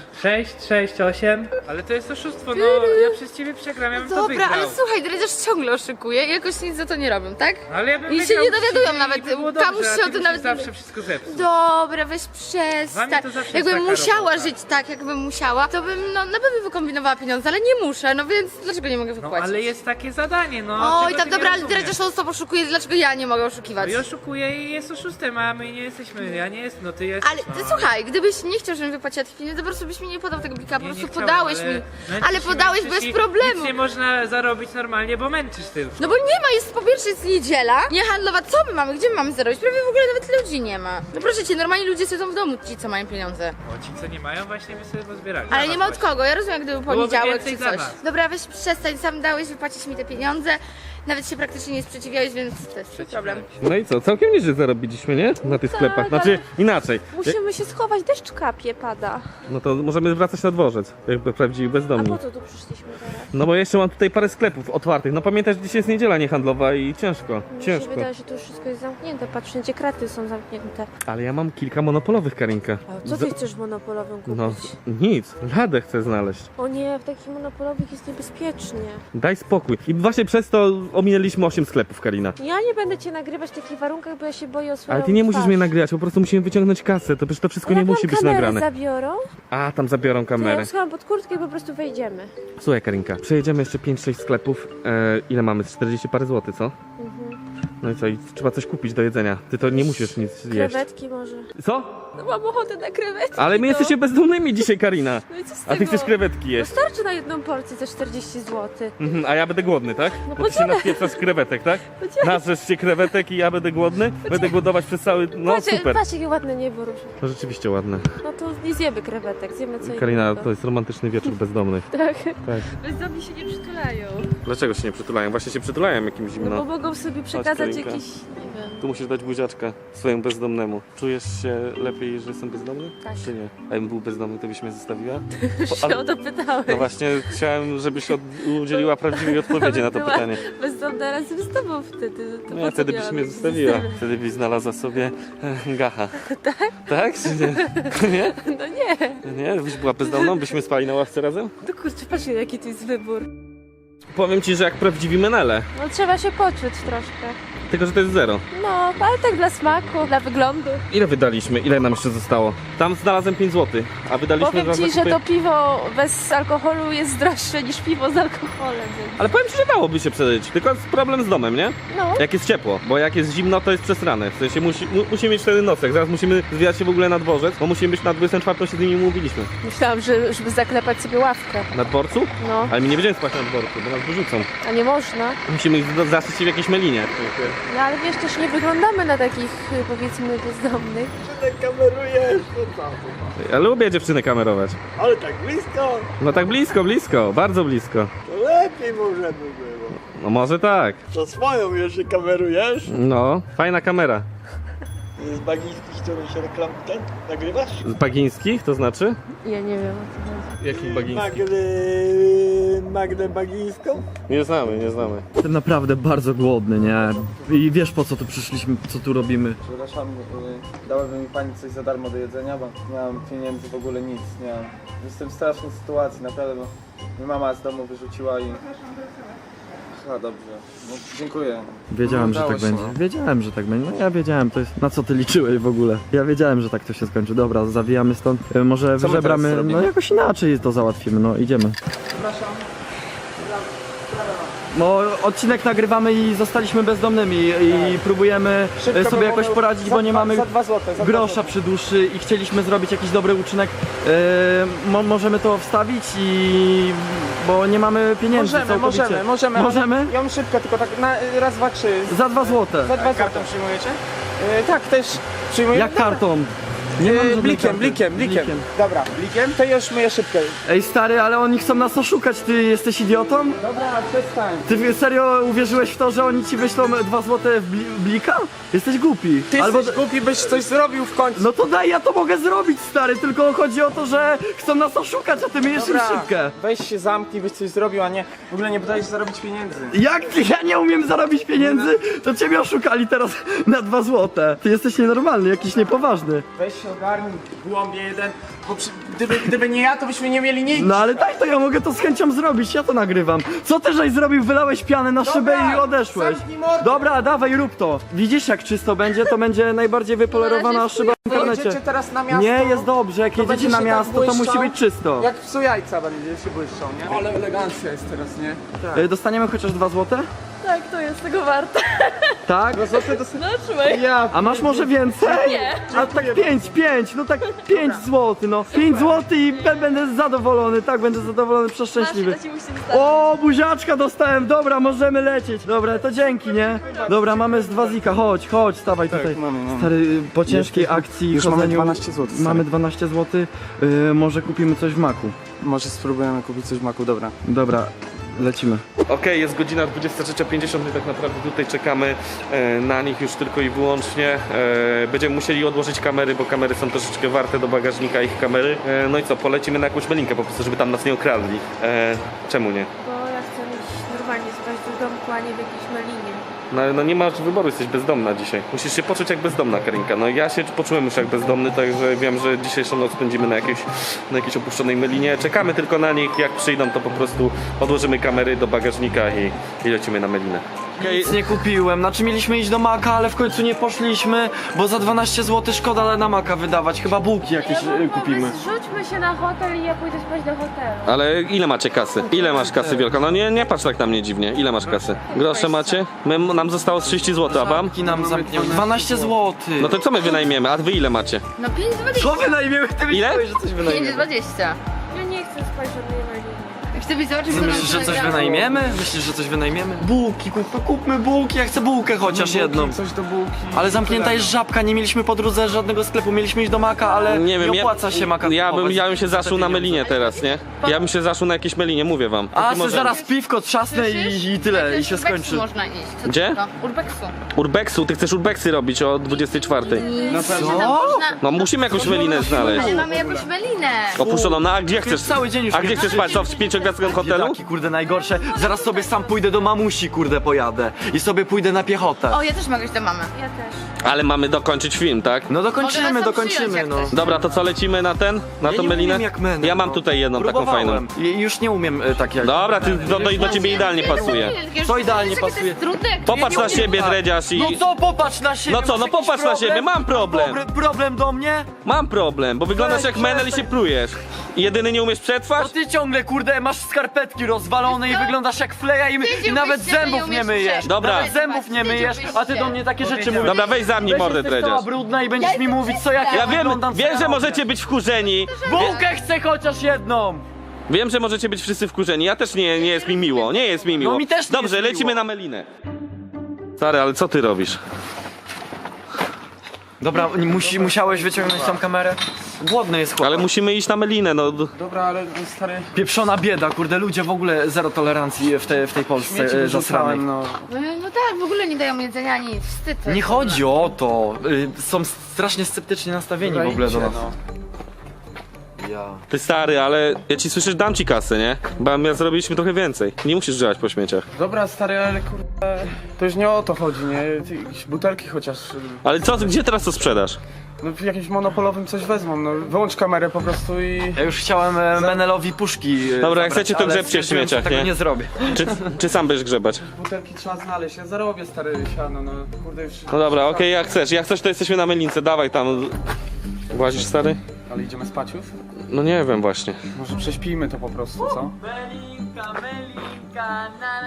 [SPEAKER 3] 6, 8. Ale to jest oszustwo, no ja przez ciebie przegram, ja bym to
[SPEAKER 4] Dobra,
[SPEAKER 3] wygrał.
[SPEAKER 4] ale słuchaj, dredziarz ciągle oszukuje i jakoś nic za to nie robią, tak?
[SPEAKER 3] Ale ja bym
[SPEAKER 4] I się
[SPEAKER 3] wygrał
[SPEAKER 4] nie dowiadują
[SPEAKER 3] dzisiaj
[SPEAKER 4] nawet,
[SPEAKER 3] i by było
[SPEAKER 4] kamuś
[SPEAKER 3] dobrze,
[SPEAKER 4] się
[SPEAKER 3] a
[SPEAKER 4] o
[SPEAKER 3] ty
[SPEAKER 4] tym
[SPEAKER 3] byś
[SPEAKER 4] nawet nie
[SPEAKER 3] zawsze
[SPEAKER 4] wie.
[SPEAKER 3] wszystko zepsuł.
[SPEAKER 4] Dobra, weź
[SPEAKER 3] Dla
[SPEAKER 4] przestań.
[SPEAKER 3] mnie to zawsze
[SPEAKER 4] Jakbym
[SPEAKER 3] jest taka
[SPEAKER 4] musiała
[SPEAKER 3] robota.
[SPEAKER 4] żyć tak, jakbym musiała, to bym no na pewno wykombinowała pieniądze, ale nie muszę, no więc dlaczego nie mogę
[SPEAKER 3] No
[SPEAKER 4] wypłacić?
[SPEAKER 3] ale jest takie zadanie, no.
[SPEAKER 4] Oj,
[SPEAKER 3] czego
[SPEAKER 4] tam
[SPEAKER 3] ty
[SPEAKER 4] dobra,
[SPEAKER 3] nie
[SPEAKER 4] ale
[SPEAKER 3] rozumiesz?
[SPEAKER 4] dredziarz non stop oszukuje, dlaczego ja nie mogę
[SPEAKER 3] No
[SPEAKER 4] oszukiwać?
[SPEAKER 3] i oszukuje i jest oszustem, a my nie jesteśmy, ja nie jestem, no ty jesteś.
[SPEAKER 4] Ale
[SPEAKER 3] no.
[SPEAKER 4] ty słuchaj, gdybyś nie chciał, żebym wypłaciła tych pieniędzy, to po prostu byś mi nie podał tego blika, po
[SPEAKER 3] Nie,
[SPEAKER 4] prostu
[SPEAKER 3] nie chciałem,
[SPEAKER 4] podałeś
[SPEAKER 3] ale
[SPEAKER 4] mi.
[SPEAKER 3] męczysz
[SPEAKER 4] Ale
[SPEAKER 3] i
[SPEAKER 4] podałeś
[SPEAKER 3] męczysz
[SPEAKER 4] bez
[SPEAKER 3] i
[SPEAKER 4] problemu.
[SPEAKER 3] Nic nie można zarobić normalnie, bo męczysz tylko.
[SPEAKER 4] No bo nie ma, jest po pierwsze jest niedziela, nie handlowa, co my mamy, gdzie my mamy zarobić? Prawie w ogóle nawet ludzi nie ma. No proszę cię, normalni ludzie siedzą w domu, ci co mają pieniądze.
[SPEAKER 3] O, ci co nie mają, właśnie by sobie pozbierali.
[SPEAKER 4] Ale
[SPEAKER 3] Dla
[SPEAKER 4] nie
[SPEAKER 3] was
[SPEAKER 4] ma od
[SPEAKER 3] właśnie.
[SPEAKER 4] kogo, ja rozumiem, gdyby
[SPEAKER 3] Byłoby
[SPEAKER 4] poniedziałek
[SPEAKER 3] więcej
[SPEAKER 4] czy
[SPEAKER 3] dla
[SPEAKER 4] coś.
[SPEAKER 3] nas.
[SPEAKER 4] Dobra, weź przestań, sam dałeś wypłacić mi te pieniądze, nawet się praktycznie nie sprzeciwiałeś, więc to jest twój problem.
[SPEAKER 2] No i co, całkiem nieźle zarobiliśmy, nie? Na tych sklepach. Znaczy, inaczej.
[SPEAKER 6] Musimy się schować, deszcz kapie, pada.
[SPEAKER 2] No to możemy wracać na dworzec, jakby prawdziwi
[SPEAKER 6] A
[SPEAKER 2] bezdomni.
[SPEAKER 6] po co tu przyszliśmy teraz?
[SPEAKER 2] No bo jeszcze mam tutaj parę sklepów otwartych. No pamiętasz, dzisiaj jest niedziela niehandlowa i ciężko,
[SPEAKER 6] Mi się
[SPEAKER 2] ciężko.
[SPEAKER 6] wydaje, że tu już wszystko jest zamknięte. Patrz, wszędzie kraty są zamknięte.
[SPEAKER 2] Ale ja mam kilka monopolowych, Karinka.
[SPEAKER 6] A co ty chcesz w monopolowym kupić?
[SPEAKER 2] No nic, ladę chcę znaleźć.
[SPEAKER 6] O nie, w takich monopolowych jest niebezpiecznie.
[SPEAKER 2] Daj spokój. I właśnie przez to ominęliśmy 8 sklepów, Karina.
[SPEAKER 6] Ja nie będę cię nagrywać w takich warunkach, bo ja się boję o swoją
[SPEAKER 2] Ale ty nie musisz
[SPEAKER 6] twarz.
[SPEAKER 2] mnie nagrywać, po prostu musimy wyciągnąć kasę. To przecież to wszystko
[SPEAKER 6] A
[SPEAKER 2] nie
[SPEAKER 6] jak nam
[SPEAKER 2] musi być
[SPEAKER 6] kamerę
[SPEAKER 2] nagrane.
[SPEAKER 6] zabiorą,
[SPEAKER 2] A, tam zabiorą
[SPEAKER 6] to ja
[SPEAKER 2] kamerę.
[SPEAKER 6] ją schowam pod kurtkę i po prostu wejdziemy.
[SPEAKER 2] Słuchaj, Karinka, przejedziemy jeszcze 5-6 sklepów. Ile mamy? 40 parę złotych, co? No i co? I trzeba coś kupić do jedzenia. Ty to nie musisz nic jeść.
[SPEAKER 6] Krewetki może.
[SPEAKER 2] Co?
[SPEAKER 6] No mam ochotę na krewetki.
[SPEAKER 2] Ale my jesteśmy bezdomnymi dzisiaj, Karina.
[SPEAKER 6] No i co z
[SPEAKER 2] A ty
[SPEAKER 6] tego?
[SPEAKER 2] chcesz krewetki
[SPEAKER 6] No
[SPEAKER 2] jeść.
[SPEAKER 6] starczy na jedną porcję za 40 zł.
[SPEAKER 2] A ja będę głodny, tak?
[SPEAKER 6] No
[SPEAKER 2] Bo ty się napieprzasz krewetek, tak? Narzesz się krewetek i ja będę głodny? Będę głodować przez cały... No
[SPEAKER 6] patrz,
[SPEAKER 2] super.
[SPEAKER 6] patrz jakie ładne niebo róży.
[SPEAKER 2] To rzeczywiście ładne.
[SPEAKER 6] No to nie zjemy krewetek, zjemy co
[SPEAKER 2] Karina,
[SPEAKER 6] innego.
[SPEAKER 2] to jest romantyczny wieczór bezdomnych.
[SPEAKER 6] Tak.
[SPEAKER 2] Tak.
[SPEAKER 6] Bezdomni się nie przytulają.
[SPEAKER 2] Dlaczego się nie przytulają? Właśnie się przytulają jakimś
[SPEAKER 6] No
[SPEAKER 2] zimno.
[SPEAKER 6] bo mogą sobie przekazać
[SPEAKER 2] Karinka.
[SPEAKER 6] jakiś, nie wiem.
[SPEAKER 2] Tu musisz dać buziaczka swojemu bezdomnemu. Czujesz się lepiej, że jestem bezdomny?
[SPEAKER 6] Tak.
[SPEAKER 2] Czy nie? A jakbym był bezdomny, to byś mnie zostawiła?
[SPEAKER 6] Się o to pytałeś.
[SPEAKER 2] No właśnie, chciałem, żebyś udzieliła prawdziwej odpowiedzi na to
[SPEAKER 6] Była
[SPEAKER 2] pytanie.
[SPEAKER 6] bezdomna razem z tobą wtedy. To
[SPEAKER 2] No,
[SPEAKER 6] po co
[SPEAKER 2] wtedy byś
[SPEAKER 6] miałam
[SPEAKER 2] mnie
[SPEAKER 6] być
[SPEAKER 2] zostawiła.
[SPEAKER 6] bezdomna?
[SPEAKER 2] Wtedy byś znalazła sobie gacha. Tak? Tak? Czy nie? Nie?
[SPEAKER 6] No nie.
[SPEAKER 2] Nie? Byś była bezdomną? Byśmy spali na ławce razem?
[SPEAKER 6] No kurczę, patrz jaki to jest wybór.
[SPEAKER 2] Powiem ci, że jak prawdziwi menele.
[SPEAKER 6] No trzeba się poczuć troszkę.
[SPEAKER 2] Tylko, że to jest zero.
[SPEAKER 6] No, ale tak dla smaku, dla wyglądu.
[SPEAKER 2] Ile wydaliśmy? Ile nam jeszcze zostało? Tam znalazłem 5 zł, a wydaliśmy
[SPEAKER 6] Powiem
[SPEAKER 2] za
[SPEAKER 6] ci, że
[SPEAKER 2] zakupy-
[SPEAKER 6] to piwo bez alkoholu jest droższe niż piwo z alkoholem, więc...
[SPEAKER 2] Ale powiem ci, że dałoby się przeżyć, tylko jest problem z domem, nie?
[SPEAKER 6] No.
[SPEAKER 2] Jak jest ciepło, bo jak jest zimno, to jest przesrane. W sensie musimy mieć wtedy nocek, zaraz musimy zwijać się w ogóle na dworzec, bo musimy być na 24, się z nimi umówiliśmy.
[SPEAKER 6] Myślałam, że żeby zaklepać sobie ławkę.
[SPEAKER 2] Na dworcu?
[SPEAKER 6] No.
[SPEAKER 2] Ale my nie będziemy spać na dworcu, bo nas wyrzucą.
[SPEAKER 6] A nie można.
[SPEAKER 2] Musimy ich zasyć w jakiejś melinie.
[SPEAKER 6] No ale wiesz, też nie wyglądamy na takich, powiedzmy, bezdomnych.
[SPEAKER 2] Ja lubię dziewczyny kamerować.
[SPEAKER 7] Ale tak blisko,
[SPEAKER 2] No tak blisko, blisko, bardzo blisko.
[SPEAKER 7] to lepiej może by było.
[SPEAKER 2] No może tak.
[SPEAKER 7] To swoją jeszcze kamerujesz?
[SPEAKER 2] No, fajna kamera.
[SPEAKER 7] Z bagińskich, którą się nagrywasz?
[SPEAKER 2] Z bagińskich, to znaczy?
[SPEAKER 6] Ja nie wiem o co chodzi.
[SPEAKER 2] Jakich bagińskich?
[SPEAKER 7] Magdę Bagińską?
[SPEAKER 2] Nie znamy, nie znamy.
[SPEAKER 5] Jestem naprawdę bardzo głodny, nie? I wiesz po co tu przyszliśmy, co tu robimy?
[SPEAKER 10] Przepraszam, dałaby mi pani coś za darmo do jedzenia, bo nie mam pieniędzy, w ogóle nic, nie mam. Jestem w strasznej sytuacji, naprawdę, bo mnie mama z domu wyrzuciła i... Aha, dobrze, no, dziękuję.
[SPEAKER 5] Wiedziałem, że
[SPEAKER 10] Udało
[SPEAKER 5] tak
[SPEAKER 10] się.
[SPEAKER 5] będzie. Wiedziałem, że tak będzie. No ja wiedziałem, to jest... Na co ty liczyłeś w ogóle? Ja wiedziałem, że tak to się skończy. Dobra, zawijamy stąd. Może
[SPEAKER 2] Co my teraz
[SPEAKER 5] wyżebramy...
[SPEAKER 2] robimy?
[SPEAKER 5] No jakoś inaczej to załatwimy, no idziemy. No, odcinek nagrywamy i zostaliśmy bezdomnymi i próbujemy sobie jakoś poradzić, bo nie mamy grosza przy duszy i chcieliśmy zrobić jakiś dobry uczynek. Możemy to wstawić i... bo nie mamy pieniędzy całkowicie. Możemy?
[SPEAKER 8] Ja mam szybko, tylko tak na raz, dwa, trzy.
[SPEAKER 5] Za 2 złote.
[SPEAKER 8] Za 2 kartą przyjmujecie? Tak, też przyjmuję.
[SPEAKER 5] Jak kartą? Nie mam żadnej
[SPEAKER 8] Blikiem,
[SPEAKER 5] karty.
[SPEAKER 8] blikiem. Dobra, blikiem, to już myję szybko.
[SPEAKER 5] Ej stary, ale oni chcą nas oszukać, ty jesteś idiotą?
[SPEAKER 8] Dobra, przestań.
[SPEAKER 5] Ty serio uwierzyłeś w to, że oni ci wyślą 2 złote w blika? Jesteś głupi.
[SPEAKER 8] Ty jesteś głupi, byś coś zrobił w końcu.
[SPEAKER 5] No to daj, ja to mogę zrobić stary, tylko chodzi o to, że chcą nas oszukać, a ty myjesz im szybkę.
[SPEAKER 8] Weź się zamknij, byś coś zrobił, a nie w ogóle nie podajesz zarobić pieniędzy.
[SPEAKER 5] Jak ty, ja nie umiem zarobić pieniędzy, to ciebie oszukali teraz na 2 złote. Ty jesteś nienormalny, jakiś niepoważny.
[SPEAKER 8] Weź się ogarnij, głąbie jeden, bo gdyby nie ja, to byśmy nie mieli nic.
[SPEAKER 5] No ale daj to, ja mogę to z chęcią zrobić, ja to nagrywam. Co ty żeś zrobił? Wylałeś pianę na szybę i odeszłeś.
[SPEAKER 8] zamknij mordę.
[SPEAKER 5] Dobra, dawaj, rób to. Widzisz jak czysto będzie? To będzie najbardziej wypolerowana szyba w internecie.
[SPEAKER 8] Jedziecie teraz na miasto.
[SPEAKER 5] Nie, jest dobrze, jak
[SPEAKER 8] to
[SPEAKER 5] jedziecie
[SPEAKER 8] będzie
[SPEAKER 5] na
[SPEAKER 8] się
[SPEAKER 5] miasto,
[SPEAKER 8] tak
[SPEAKER 5] to musi
[SPEAKER 8] błyszczał.
[SPEAKER 5] być czysto.
[SPEAKER 8] Jak psu jajca będzie się błyszczą, nie?
[SPEAKER 10] Ale elegancja jest teraz, nie?
[SPEAKER 5] Dostaniemy chociaż 2 złote?
[SPEAKER 6] Tak, to jest tego warte.
[SPEAKER 5] Tak?
[SPEAKER 6] No trzymaj.
[SPEAKER 5] A masz może więcej?
[SPEAKER 6] Nie.
[SPEAKER 5] A tak 5, no tak 5 zł, no. 5 zł i będę zadowolony, tak, będę zadowolony, przeszczęśliwy.
[SPEAKER 6] Masz, to ci musimy stać.
[SPEAKER 5] O, buziaczka dostałem, dobra, możemy lecieć. Dobra, to dzięki, nie? Dobra, mamy z 2 zika, chodź, stawaj tutaj.
[SPEAKER 10] mamy.
[SPEAKER 5] Stary, po ciężkiej akcji
[SPEAKER 10] już mamy
[SPEAKER 5] chodzeniu
[SPEAKER 10] 12 zł, stary.
[SPEAKER 5] Mamy 12 zł, może kupimy coś w maku.
[SPEAKER 10] Może spróbujemy kupić coś w maku, dobra.
[SPEAKER 5] Dobra, lecimy.
[SPEAKER 2] Okej, jest godzina 23:50 i tak naprawdę tutaj czekamy na nich już tylko i wyłącznie. Będziemy musieli odłożyć kamery, bo kamery są troszeczkę warte do bagażnika ich kamery. No i co, polecimy na jakąś melinkę po prostu, żeby tam nas nie okradli. Czemu nie?
[SPEAKER 6] Bo ja chcę mieć normalnie spać do domku, a nie w jakiejś melinie.
[SPEAKER 2] No nie masz wyboru, jesteś bezdomna dzisiaj. Musisz się poczuć jak bezdomna, Karinka. No ja się poczułem już jak bezdomny, także wiem, że dzisiejszą noc spędzimy na jakiejś opuszczonej melinie. Czekamy tylko na nich, jak przyjdą to po prostu odłożymy kamery do bagażnika i lecimy na melinę.
[SPEAKER 5] Nic nie kupiłem, znaczy mieliśmy iść do Maka, ale w końcu nie poszliśmy, bo za 12 zł szkoda na Maka wydawać, chyba bułki jakieś kupimy.
[SPEAKER 6] Zrzućmy się na hotel i ja pójdę spać do hotelu.
[SPEAKER 2] Ale ile macie kasy? Ile masz kasy, Wielka? No nie patrz tak na mnie dziwnie. Ile masz kasy? Grosze macie? Nam zostało 30 zł, a wam?
[SPEAKER 5] Zamki nam zamknięły, 12 zł.
[SPEAKER 2] No to co my wynajmiemy? A wy ile macie?
[SPEAKER 4] No 5,20.
[SPEAKER 5] Co wynajmiemy? Ty myślałeś, że coś wynajmiemy?
[SPEAKER 4] 5,20.
[SPEAKER 6] Ja nie chcę spać w żadnej melinie.
[SPEAKER 4] Chcę być zobaczyć, co nam
[SPEAKER 5] Myślisz, że coś
[SPEAKER 4] nagrało.
[SPEAKER 5] wynajmiemy? Myślisz, że coś wynajmiemy? Bułki, kupmy bułki, ja chcę bułkę chociaż jedną.
[SPEAKER 10] Coś do bułki.
[SPEAKER 5] Ale zamknięta jest Żabka, nie mieliśmy po drodze żadnego sklepu, mieliśmy iść do Maka, ale nie opłaca się Maka kupować.
[SPEAKER 2] Ja bym się
[SPEAKER 5] za te
[SPEAKER 2] zaszył na
[SPEAKER 5] pieniądze.
[SPEAKER 2] melinie teraz, nie? Ja bym się zaszył na jakieś melinie, mówię wam.
[SPEAKER 5] A,
[SPEAKER 2] Ty
[SPEAKER 5] se
[SPEAKER 2] może-
[SPEAKER 5] zaraz piwko trzasnę i tyle, i się
[SPEAKER 4] Urbexu
[SPEAKER 5] skończy.
[SPEAKER 4] można iść. Co
[SPEAKER 2] Gdzie?
[SPEAKER 4] to? Urbexu.
[SPEAKER 2] Urbexu, ty chcesz urbexy robić o 24.
[SPEAKER 5] Co?
[SPEAKER 2] No musimy jakąś melinę znaleźć.
[SPEAKER 4] Ale mamy jakąś melinę.
[SPEAKER 2] Opuszczoną, no a gdzie chcesz?
[SPEAKER 5] Cały dzień już
[SPEAKER 2] A gdzie chcesz spać? Co, w 5-gwiazdkowym hotelu?
[SPEAKER 5] Biedaki, kurde, najgorsze. Zaraz sobie sam pójdę do mamusi, kurde, pojadę. I sobie pójdę na piechotę.
[SPEAKER 4] O, ja też mogę iść do mamy.
[SPEAKER 6] Ja też.
[SPEAKER 2] Ale mamy dokończyć film, tak?
[SPEAKER 5] No
[SPEAKER 4] Mogę
[SPEAKER 5] dokończymy,
[SPEAKER 4] was tam przyjąć,
[SPEAKER 5] dokończymy,
[SPEAKER 4] jak
[SPEAKER 5] no.
[SPEAKER 4] chcesz.
[SPEAKER 2] Dobra, to co, lecimy na ten? Na
[SPEAKER 5] Ja
[SPEAKER 2] tą
[SPEAKER 5] nie
[SPEAKER 2] melinę?
[SPEAKER 5] umiem jak menel,
[SPEAKER 2] Ja mam
[SPEAKER 5] no.
[SPEAKER 2] tutaj jedną taką fajną.
[SPEAKER 5] Próbowałem. I już nie umiem tak jak...
[SPEAKER 2] Dobra, do ciebie idealnie pasuje.
[SPEAKER 5] Co idealnie
[SPEAKER 4] Wiesz, jakie to
[SPEAKER 5] pasuje?
[SPEAKER 4] jest trudne, jak
[SPEAKER 2] Popatrz na siebie,
[SPEAKER 5] tak.
[SPEAKER 2] dredziarz i...
[SPEAKER 5] No co, popatrz na siebie.
[SPEAKER 2] No co, no
[SPEAKER 5] masz jakiś
[SPEAKER 2] popatrz na siebie, mam problem.
[SPEAKER 5] Problem do mnie?
[SPEAKER 2] Mam problem, bo wyglądasz jak menel i się plujesz. I jedyny nie umiesz
[SPEAKER 5] To
[SPEAKER 2] przetrwać?
[SPEAKER 5] ty ciągle, kurde, masz skarpetki rozwalone i wyglądasz jak fleja i
[SPEAKER 4] Tydzień
[SPEAKER 5] nawet
[SPEAKER 4] byś się
[SPEAKER 5] zębów
[SPEAKER 4] nie
[SPEAKER 5] nie
[SPEAKER 4] umiesz
[SPEAKER 5] myjesz.
[SPEAKER 4] przetrwać.
[SPEAKER 2] Dobra.
[SPEAKER 5] Nawet zębów nie
[SPEAKER 4] Tydzień
[SPEAKER 5] myjesz,
[SPEAKER 4] byś
[SPEAKER 5] a ty
[SPEAKER 4] się.
[SPEAKER 5] do mnie takie rzeczy mówisz.
[SPEAKER 2] Dobra, weź za mnie mordę,
[SPEAKER 5] Jesteś cała
[SPEAKER 2] dredziarz.
[SPEAKER 5] brudna i będziesz mi mówić, co jak
[SPEAKER 2] Ja wiem,
[SPEAKER 5] wyglądam, co
[SPEAKER 2] wiem, że
[SPEAKER 5] robię.
[SPEAKER 2] możecie być wkurzeni.
[SPEAKER 5] Bułkę chcę chociaż jedną.
[SPEAKER 2] Wiem, że możecie być wszyscy wkurzeni, ja też nie jest mi miło, nie jest mi miło.
[SPEAKER 5] No mi też nie
[SPEAKER 2] Dobrze,
[SPEAKER 5] jest
[SPEAKER 2] lecimy
[SPEAKER 5] miło.
[SPEAKER 2] na melinę. Stary, ale co ty robisz?
[SPEAKER 5] Dobra, musiałeś wyciągnąć tam kamerę? Głodny jest chłopak.
[SPEAKER 2] Ale musimy iść na melinę, no.
[SPEAKER 10] Dobra, ale stary...
[SPEAKER 5] Pieprzona bieda, kurde, ludzie w ogóle zero tolerancji w tej Polsce
[SPEAKER 10] Śmieci
[SPEAKER 5] zasranej.
[SPEAKER 10] wyrzucałem, no.
[SPEAKER 4] No tak, w ogóle nie dają jedzenia, nic, wstyd.
[SPEAKER 5] Nie chodzi o to. Są strasznie sceptycznie nastawieni w ogóle do nas.
[SPEAKER 10] No.
[SPEAKER 5] Ja.
[SPEAKER 2] Ty stary, ale ja ci słyszysz, dam ci kasę, nie? Bo my zrobiliśmy trochę więcej. Nie musisz żywać po śmieciach.
[SPEAKER 10] Dobra, stary, ale kurde... To już nie o to chodzi, nie? Ty, jakieś butelki chociaż...
[SPEAKER 2] Ale co, gdzie teraz to sprzedasz?
[SPEAKER 10] No w jakimś monopolowym coś wezmą, no. Wyłącz kamerę po prostu i...
[SPEAKER 5] Ja już chciałem Menelowi puszki
[SPEAKER 2] Dobra, jak
[SPEAKER 5] zabrać,
[SPEAKER 2] chcecie, to
[SPEAKER 5] ale
[SPEAKER 2] grzebcie w
[SPEAKER 5] stwierdziłem, że
[SPEAKER 2] śmieciach,
[SPEAKER 5] tego
[SPEAKER 2] nie?
[SPEAKER 5] nie zrobię.
[SPEAKER 2] Czy sam będziesz grzebać?
[SPEAKER 10] Butelki trzeba znaleźć, ja zarobię, stary, siano, no. Kurde, już...
[SPEAKER 2] No dobra, okej, jak chcesz. Jak chcesz, to jesteśmy na melince, dawaj tam. Włazisz, stary?
[SPEAKER 10] Ale idziemy spać już?
[SPEAKER 2] No nie wiem właśnie.
[SPEAKER 10] Może prześpijmy to po prostu, co?
[SPEAKER 3] Melinka, melinka,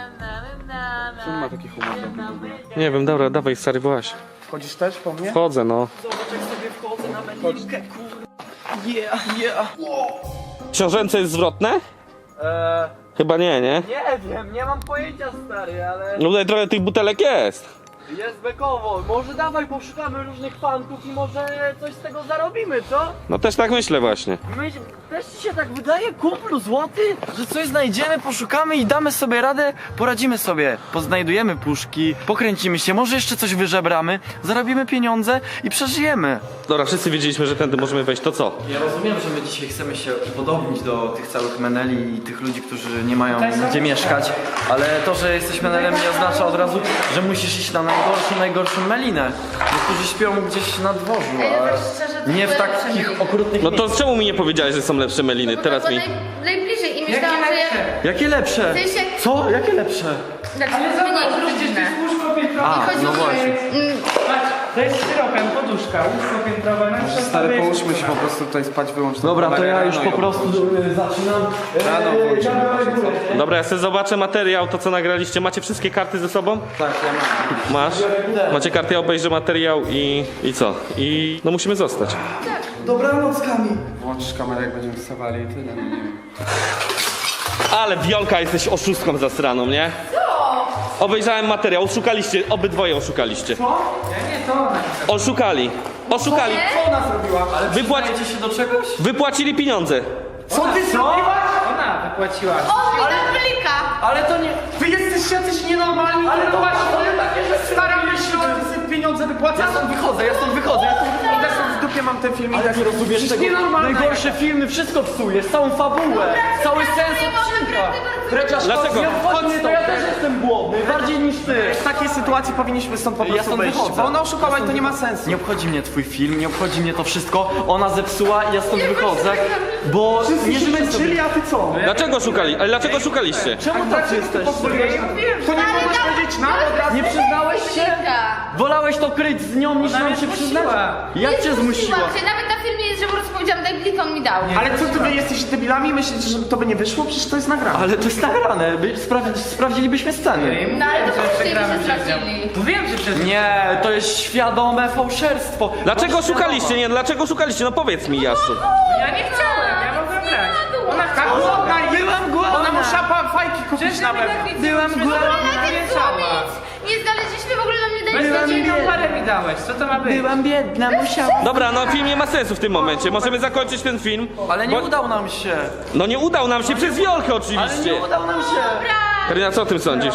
[SPEAKER 10] Czy nie ma takich humorów w ogóle?
[SPEAKER 2] Nie wiem, dobra, dawaj, stary, właź.
[SPEAKER 10] Wchodzisz też po mnie?
[SPEAKER 2] Wchodzę, no.
[SPEAKER 5] Zobacz, jak sobie wchodzę na melinkę, kurde. Yeah.
[SPEAKER 2] Książęce jest zwrotne? Chyba nie, nie?
[SPEAKER 5] Nie wiem, nie mam pojęcia, stary, ale
[SPEAKER 2] No tutaj trochę tych butelek jest.
[SPEAKER 5] jest bekowo. Może dawaj, poszukamy różnych fantów i może coś z tego zarobimy, co?
[SPEAKER 2] No też tak myślę właśnie.
[SPEAKER 5] Też ci się tak wydaje, kumplu złoty, że coś znajdziemy, poszukamy i damy sobie radę, poradzimy sobie. Poznajdujemy puszki, pokręcimy się, może jeszcze coś wyżebramy, zarobimy pieniądze i przeżyjemy.
[SPEAKER 2] Dobra, wszyscy wiedzieliśmy, że tędy możemy wejść, to co?
[SPEAKER 5] Ja rozumiem, że my dzisiaj chcemy się upodobnić do tych całych meneli i tych ludzi, którzy nie mają gdzie mieszkać, ale to, że jesteś menelem nie oznacza od razu, że musisz iść na najgorszą melinę. Niektórzy śpią gdzieś na dworzu, a nie w takich okrutnych
[SPEAKER 2] No to
[SPEAKER 5] miejscach.
[SPEAKER 2] czemu mi nie powiedziałeś, że są lepsze meliny? Teraz mi...
[SPEAKER 4] Najbliżej i myślałam, że jak...
[SPEAKER 5] Jakie lepsze?
[SPEAKER 4] W sensie-
[SPEAKER 5] Co? Jakie lepsze?
[SPEAKER 4] Znaczy, mniej różne.
[SPEAKER 5] A, no właśnie.
[SPEAKER 3] To jest syropem, poduszka, łóżko piętrowe, no
[SPEAKER 10] Stary, połóżmy się po prostu tutaj spać, wyłącz to.
[SPEAKER 5] Dobra, to ja już
[SPEAKER 10] Rano
[SPEAKER 5] po prostu zaczynam.
[SPEAKER 10] Rano włączymy, proszę, co?
[SPEAKER 2] Dobra, ja sobie zobaczę materiał, to co nagraliście. Macie wszystkie karty ze sobą?
[SPEAKER 10] Tak, ja mam.
[SPEAKER 2] Masz? Macie karty, ja obejrzę materiał i co? I no musimy zostać.
[SPEAKER 5] Dobranoc, Kamil.
[SPEAKER 10] Włączysz kamerę, jak będziemy wstawali i tyle, no nie wiem.
[SPEAKER 2] Ale Wiolka, jesteś oszustką zastraną, nie? Co? Obejrzałem materiał, oszukaliście, obydwoje oszukaliście. Co? Ja nie, to oszukali. Oszukali.
[SPEAKER 10] Co ona zrobiła?
[SPEAKER 5] Ale przyznajecie się do czegoś?
[SPEAKER 2] Wypłacili pieniądze.
[SPEAKER 10] Co ty zrobiłaś?
[SPEAKER 3] Ona wypłaciła.
[SPEAKER 4] O, witam królika!
[SPEAKER 5] Ale to nie...
[SPEAKER 10] Wy jesteście jacyś nienormalni, ale to właśnie takie, że staramy się o pieniądze wypłacać.
[SPEAKER 5] Ja stąd wychodzę.
[SPEAKER 10] Idę sobie w dupie, mam ten film i tak rozumiesz
[SPEAKER 5] Przecież
[SPEAKER 10] nienormalne.
[SPEAKER 5] najgorsze filmy, wszystko psujesz, całą fabułę, cały sens odcinka.
[SPEAKER 2] Dlaczego?
[SPEAKER 5] Nie obchodzi mnie to, ja też jestem głodny, bardziej niż ty.
[SPEAKER 10] W takiej sytuacji powinniśmy stąd po prostu
[SPEAKER 5] stąd
[SPEAKER 10] wyjść,
[SPEAKER 5] wychodzę.
[SPEAKER 10] bo ona oszukała i to nie ma sensu.
[SPEAKER 5] Nie obchodzi mnie twój film, nie obchodzi mnie to wszystko, ona zepsuła i ja stąd wychodzę, bo nie żymy sobie.
[SPEAKER 10] a ty co?
[SPEAKER 2] Dlaczego szukali? Ale dlaczego szukaliście?
[SPEAKER 5] Czemu tacy jesteście?
[SPEAKER 10] To nie mogłeś powiedzieć nam od razu?
[SPEAKER 5] Nie przyznałeś się? Wolałeś to kryć z nią niż nam się przyznać? Jak cię zmusiła?
[SPEAKER 4] Się. Nawet na filmie jest, że po prostu powiedziałam, daj blik, on mi dał.
[SPEAKER 10] Ale co, ty wy jesteś debilami? Myślicie, że to by nie wyszło? Przecież to jest nagrane.
[SPEAKER 5] Ale to jest nagrane, sprawdzilibyśmy sceny.
[SPEAKER 4] No ale to wszyscy się sprawdzili.
[SPEAKER 3] To wiem, że przez...
[SPEAKER 5] Nie, to jest świadome fałszerstwo.
[SPEAKER 2] Dlaczego szukaliście? Nie, dlaczego szukaliście? No powiedz mi, Jaszczu.
[SPEAKER 3] Ja nie chciałem, ja mogłem brać. Ona
[SPEAKER 10] Tak, głodna jest.
[SPEAKER 5] Byłam głodna.
[SPEAKER 10] Ona musiała fajki kupić na pewno.
[SPEAKER 5] Byłam głodna.
[SPEAKER 4] Najpierw było nic. Nie znaleźliśmy w ogóle na mnie dać
[SPEAKER 3] Byłam
[SPEAKER 4] nadzieję.
[SPEAKER 3] jedną parę mi dałeś, co to ma być?
[SPEAKER 5] Byłam biedna, musiałam.
[SPEAKER 2] Dobra, no film nie ma sensu w tym momencie. Możemy zakończyć ten film.
[SPEAKER 5] Ale nie
[SPEAKER 2] Bo-
[SPEAKER 5] udał nam się.
[SPEAKER 2] No nie udał nam się przez Wiolkę
[SPEAKER 5] Ale
[SPEAKER 2] oczywiście.
[SPEAKER 5] nie udał nam się.
[SPEAKER 2] Karina, co o tym sądzisz?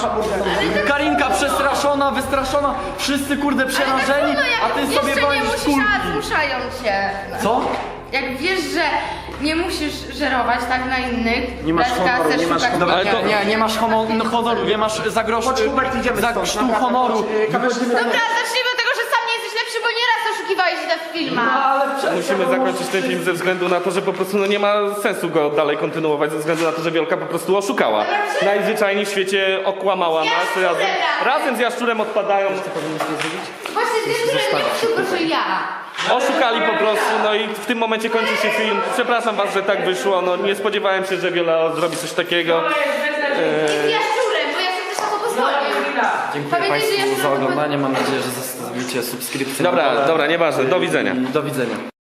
[SPEAKER 5] Karinka przestraszona, wystraszona, wszyscy kurde przerażeni, a ty sobie
[SPEAKER 4] Jeszcze nie
[SPEAKER 5] walisz
[SPEAKER 4] musisz,
[SPEAKER 5] kulki.
[SPEAKER 4] a zmuszają cię.
[SPEAKER 5] Co?
[SPEAKER 4] Jak wiesz, że nie musisz żerować tak na innych,
[SPEAKER 10] Nie masz
[SPEAKER 4] brać
[SPEAKER 10] honoru,
[SPEAKER 4] kasę,
[SPEAKER 10] nie masz
[SPEAKER 4] szukać
[SPEAKER 10] honoru.
[SPEAKER 2] Ale to-
[SPEAKER 4] pieniędzy.
[SPEAKER 5] Nie masz honoru, nie masz za grosz,
[SPEAKER 10] Chodź, Hubert, idziemy
[SPEAKER 5] za
[SPEAKER 10] stąd,
[SPEAKER 5] krztu
[SPEAKER 10] naprawdę.
[SPEAKER 5] honoru.
[SPEAKER 4] Dobra, zacznijmy od tego, że sam nie jesteś lepszy, bo nieraz oszukiwałeś się w filmach.
[SPEAKER 2] Musimy zakończyć ten film ze względu na to, że po prostu no nie ma sensu go dalej kontynuować, ze względu na to, że Wiolka po prostu oszukała. Najzwyczajniej w świecie okłamała nas razem z Jaszczurem odpadają.
[SPEAKER 4] Właśnie z Jaszczurem nie tylko, że ja.
[SPEAKER 2] Oszukali po prostu, no i w tym momencie kończy się film. Przepraszam was, że tak wyszło, no nie spodziewałem się, że Wiola zrobi coś takiego.
[SPEAKER 4] Z Jaszczurem, bo Jaszczur też na to pozwolił.
[SPEAKER 5] Dziękuję
[SPEAKER 4] Pamiętaj, że
[SPEAKER 5] Państwu
[SPEAKER 4] Jaszczur
[SPEAKER 5] za
[SPEAKER 4] na to
[SPEAKER 5] oglądanie, mam nadzieję, że zostawicie subskrypcję.
[SPEAKER 2] Dobra, nieważne, do widzenia.
[SPEAKER 5] Do widzenia.